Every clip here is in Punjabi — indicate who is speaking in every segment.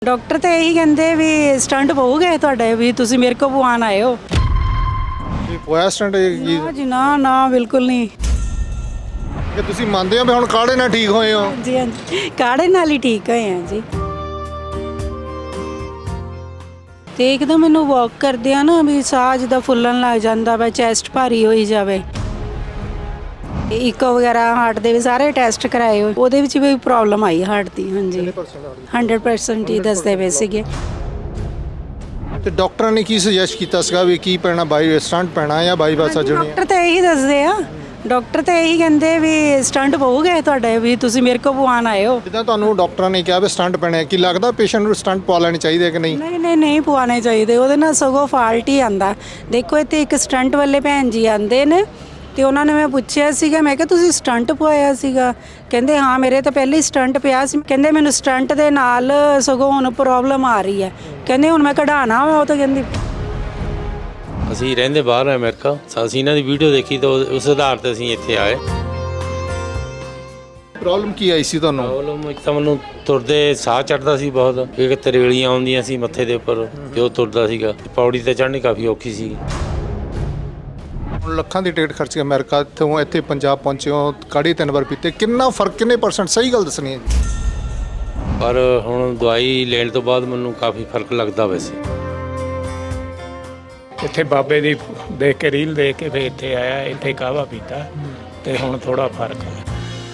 Speaker 1: ਡਾਕਟਰ ਤਾਂ ਇਹੀ ਕਹਿੰਦੇ ਵੀ ਸਟੰਟ ਪਊਗੇ ਤੁਹਾਡੇ ਵੀ ਤੁਸੀਂ ਮੇਰੇ ਕੋਲ ਪਵਾਉਣ ਆਏ ਹੋ।
Speaker 2: ਇਹ ਪੋਇਆ ਸਟੰਟ ਕੀ
Speaker 1: ਨਾ ਜੀ ਨਾ ਬਿਲਕੁਲ ਨਹੀਂ।
Speaker 2: ਕਿ ਤੁਸੀਂ ਮੰਨਦੇ ਹੋ ਵੀ ਹੁਣ ਕਾੜੇ ਨਾਲ ਠੀਕ ਹੋਏ ਹੋ?
Speaker 1: ਜੀ ਹਾਂਜੀ ਕਾੜੇ ਨਾਲ ਹੀ ਠੀਕ ਹੋਏ ਆ ਜੀ। ਤੇ ਇੱਕਦਮ ਮੈਨੂੰ ਵਾਕ ਕਰਦੇ ਆ ਨਾ ਵੀ ਸਾਹ ਜਿੱਦਾਂ ਫੁੱਲਣ ਲੱਗ ਜਾਂਦਾ ਵਾ, ਚੈਸਟ ਭਾਰੀ ਹੋਈ ਜਾਵੇ। ਇਕੋ ਵਗੈਰਾ ਹਾਰਟ ਦੇ ਵੀ ਸਾਰੇ ਟੈਸਟ ਕਰਾਏ ਹੋਏ, ਉਹਦੇ ਵਿੱਚ ਵੀ ਪ੍ਰੋਬਲਮ ਆਈ ਹਾਰਟ ਦੀ। ਹਾਂਜੀ 100% ਹੀ ਦੱਸਦੇ ਪਏ ਸੀਗੇ।
Speaker 2: ਤੇ ਡਾਕਟਰਾਂ ਨੇ ਕੀ ਸੁਜੈਸਟ ਕੀਤਾ ਸੀਗਾ ਵੀ ਕੀ ਪੈਣਾ, ਬਾਈ ਸਟੰਟ ਪੈਣਾ ਜਾਂ ਬਾਈਪਾਸ ਸਰਜਰੀ?
Speaker 1: ਡਾਕਟਰ ਤਾਂ ਇਹੀ ਦੱਸਦੇ ਆ, ਡਾਕਟਰ ਤਾਂ ਇਹੀ ਕਹਿੰਦੇ ਵੀ ਸਟੰਟ ਪਊਗੇ ਤੁਹਾਡੇ ਵੀ ਤੁਸੀਂ ਮੇਰੇ ਕੋਲ ਪਵਾਉਣ ਆਏ ਹੋ।
Speaker 2: ਜਿੱਦਾਂ ਤੁਹਾਨੂੰ ਡਾਕਟਰਾਂ ਨੇ ਕਿਹਾ ਵੀ ਸਟੰਟ ਪੈਣਾ, ਕੀ ਲੱਗਦਾ ਪੇਸ਼ੈਂਟ ਨੂੰ ਸਟੰਟ ਪਵਾ ਲੈਣੇ ਚਾਹੀਦੇ ਕਿ ਨਹੀਂ?
Speaker 1: ਨਹੀਂ ਪਵਾਉਣੇ ਚਾਹੀਦੇ, ਉਹਦੇ ਨਾਲ ਸਗੋਂ ਫਾਲਟ ਹੀ ਆਂਦਾ। ਦੇਖੋ ਇੱਥੇ ਇੱਕ ਸਟੰਟ ਵਾਲੇ ਭੈਣ ਜੀ ਆਂਦੇ ਨੇ ਤੇ ਉਹਨਾਂ ਨੇ ਮੈਂ ਪੁੱਛਿਆ ਸੀਗਾ, ਮੈਂ ਕਿਹਾ ਤੁਸੀਂ ਸਟੰਟ ਪਵਾਇਆ ਸੀਗਾ? ਕਹਿੰਦੇ ਹਾਂ ਮੇਰੇ ਤਾਂ ਪਹਿਲੇ ਹੀ ਸਟੰਟ ਪਿਆ ਸੀ। ਕਹਿੰਦੇ ਮੈਨੂੰ ਸਟੰਟ ਦੇ ਨਾਲ ਸਗੋਂ ਹੁਣ ਪ੍ਰੋਬਲਮ ਆ ਰਹੀ ਹੈ। ਕਹਿੰਦੇ ਹੁਣ ਮੈਂ ਕਢਾਣਾ ਵਾ। ਉਹ ਤਾਂ ਕਹਿੰਦੀ
Speaker 3: ਅਸੀਂ ਰਹਿੰਦੇ ਬਾਹਰ ਆ ਅਮਰੀਕਾ, ਅਸੀਂ ਇਹਨਾਂ ਦੀ ਵੀਡੀਓ ਦੇਖੀ ਤਾਂ ਉਸ ਆਧਾਰ ਤੇ ਅਸੀਂ ਇੱਥੇ ਆਏ।
Speaker 2: ਪ੍ਰੋਬਲਮ ਕੀ ਆਈ ਸੀ ਤੁਹਾਨੂੰ?
Speaker 3: ਪ੍ਰੋਬਲਮ ਇੱਕ ਤਾਂ ਮੈਨੂੰ ਤੁਰਦੇ ਸਾਹ ਚੜਦਾ ਸੀ ਬਹੁਤ, ਇੱਕ ਤਰੇਲੀਆਂ ਆਉਂਦੀਆਂ ਸੀ ਮੱਥੇ ਦੇ ਉੱਪਰ ਜੋ ਤੁਰਦਾ ਸੀਗਾ। ਪੌੜੀ ਤੇ ਚੜ੍ਹਨੀ ਕਾਫੀ ਔਖੀ ਸੀ।
Speaker 2: ਹੁਣ ਲੱਖਾਂ ਦੀ ਟਿਕਟ ਖਰਚ ਕੇ ਅਮਰੀਕਾ ਤੋਂ ਇੱਥੇ ਪੰਜਾਬ ਪਹੁੰਚੇ ਹੋ, ਕਾੜੀ 3 ਵਾਰ ਪੀਤੇ, ਕਿੰਨਾ ਫਰਕ, ਕਿੰਨੇ %? ਸਹੀ ਗੱਲ ਦੱਸਣੀ ਹੈ ਜੀ।
Speaker 3: ਪਰ ਹੁਣ ਦਵਾਈ ਲੈਣ ਤੋਂ ਬਾਅਦ ਮੈਨੂੰ ਕਾਫੀ ਫਰਕ ਲੱਗਦਾ। ਵੈਸੇ
Speaker 4: ਇੱਥੇ ਬਾਬੇ ਦੀ ਦੇਖ ਕੇ ਰੀਲ ਦੇਖ ਕੇ ਫਿਰ ਇੱਥੇ ਆਇਆ, ਇੱਥੇ ਕਾਹਵਾ ਪੀਤਾ ਤੇ ਹੁਣ ਥੋੜਾ ਫਰਕ ਹੈ।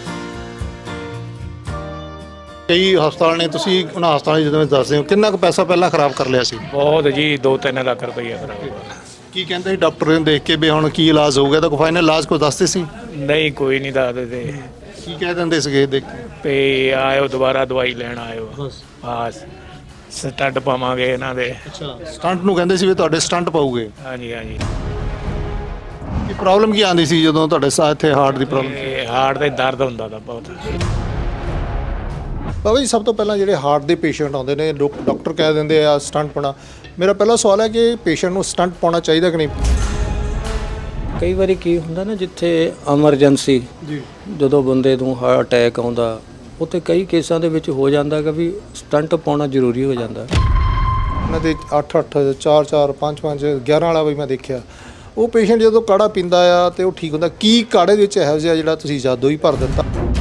Speaker 2: ਕਈ ਹਸਪਤਾਲ ਨੇ, ਤੁਸੀਂ ਉਹਨਾਂ ਹਸਪਤਾਲਾਂ ਜਦੋਂ ਦੱਸਦੇ ਹੋ ਕਿੰਨਾ ਕੁ ਪੈਸਾ ਪਹਿਲਾਂ ਖਰਾਬ ਕਰ ਲਿਆ ਸੀ?
Speaker 4: ਬਹੁਤ ਜੀ 2-3 ਲੱਖ ਰੁਪਈਆ ਖਰਾਬ।
Speaker 2: ਕੀ ਕਹਿੰਦੇ ਸੀ ਡਾਕਟਰ ਨੇ ਦੇਖ ਕੇ ਵੀ ਹੁਣ ਕੀ ਇਲਾਜ ਹੋਊਗਾ? ਤਾਂ ਕੋਈ ਫਾਈਨਲ ਇਲਾਜ ਕੋਈ ਦੱਸਦੇ ਸੀ?
Speaker 4: ਨਹੀਂ ਕੋਈ ਨਹੀਂ ਦੱਸਦੇ
Speaker 2: ਕੀ ਕਹਿ ਦਿੰਦੇ ਸੀਗੇ ਦੇਖ ਕੇ?
Speaker 4: ਤੇ ਆਇਓ ਦੁਬਾਰਾ ਦਵਾਈ ਲੈਣ ਆਇਓ, ਬਸ ਸਟੰਟ ਪਾਵਾਂਗੇ ਇਹਨਾਂ ਦੇ।
Speaker 2: ਅੱਛਾ, ਸਟੰਟ ਨੂੰ ਕਹਿੰਦੇ ਸੀ ਵੀ ਤੁਹਾਡੇ ਸਟੰਟ ਪਾਉਗੇ?
Speaker 4: ਹਾਂਜੀ
Speaker 2: ਕੀ ਪ੍ਰੋਬਲਮ ਕੀ ਆਉਂਦੀ ਸੀ ਜਦੋਂ ਤੁਹਾਡੇ ਸਾਹ ਇੱਥੇ ਹਾਰਟ ਦੀ ਪ੍ਰੋਬਲਮ?
Speaker 4: ਇਹ ਹਾਰਟ ਦੇ ਦਰਦ ਹੁੰਦਾ ਤਾਂ ਬਹੁਤ।
Speaker 2: ਬਾਬਾ ਜੀ, ਸਭ ਤੋਂ ਪਹਿਲਾਂ ਜਿਹੜੇ ਹਾਰਟ ਦੇ ਪੇਸ਼ੈਂਟ ਆਉਂਦੇ ਨੇ, ਡਾਕਟਰ ਕਹਿ ਦਿੰਦੇ ਆ ਸਟੰਟ ਪਾਉਣਾ। ਮੇਰਾ ਪਹਿਲਾ ਸਵਾਲ ਹੈ ਕਿ ਪੇਸ਼ੈਂਟ ਨੂੰ ਸਟੰਟ ਪਾਉਣਾ ਚਾਹੀਦਾ ਕਿ ਨਹੀਂ?
Speaker 5: ਕਈ ਵਾਰੀ ਕੀ ਹੁੰਦਾ ਨਾ, ਜਿੱਥੇ ਐਮਰਜੈਂਸੀ
Speaker 2: ਜੀ, ਜਦੋਂ
Speaker 5: ਜਦੋਂ ਬੰਦੇ ਨੂੰ ਹਾਰਟ ਅਟੈਕ ਆਉਂਦਾ, ਉੱਥੇ ਕਈ ਕੇਸਾਂ ਦੇ ਵਿੱਚ ਹੋ ਜਾਂਦਾ ਕਿ ਵੀ ਸਟੰਟ ਪਾਉਣਾ ਜ਼ਰੂਰੀ ਹੋ ਜਾਂਦਾ।
Speaker 2: ਉਹਨਾਂ ਦੇ 8-8 4-4 5-5 11 ਵਾਲਾ ਵੀ ਮੈਂ ਦੇਖਿਆ। ਉਹ ਪੇਸ਼ੈਂਟ ਜਦੋਂ ਕਾੜਾ ਪੀਂਦਾ ਆ ਤੇ ਉਹ ਠੀਕ ਹੁੰਦਾ। ਕੀ ਕਾੜੇ ਦੇ ਵਿੱਚ ਇਹੋ ਜਿਹਾ ਜਿਹੜਾ ਤੁਸੀਂ ਜਾਦੂ ਹੀ ਭਰ ਦਿੱਤਾ?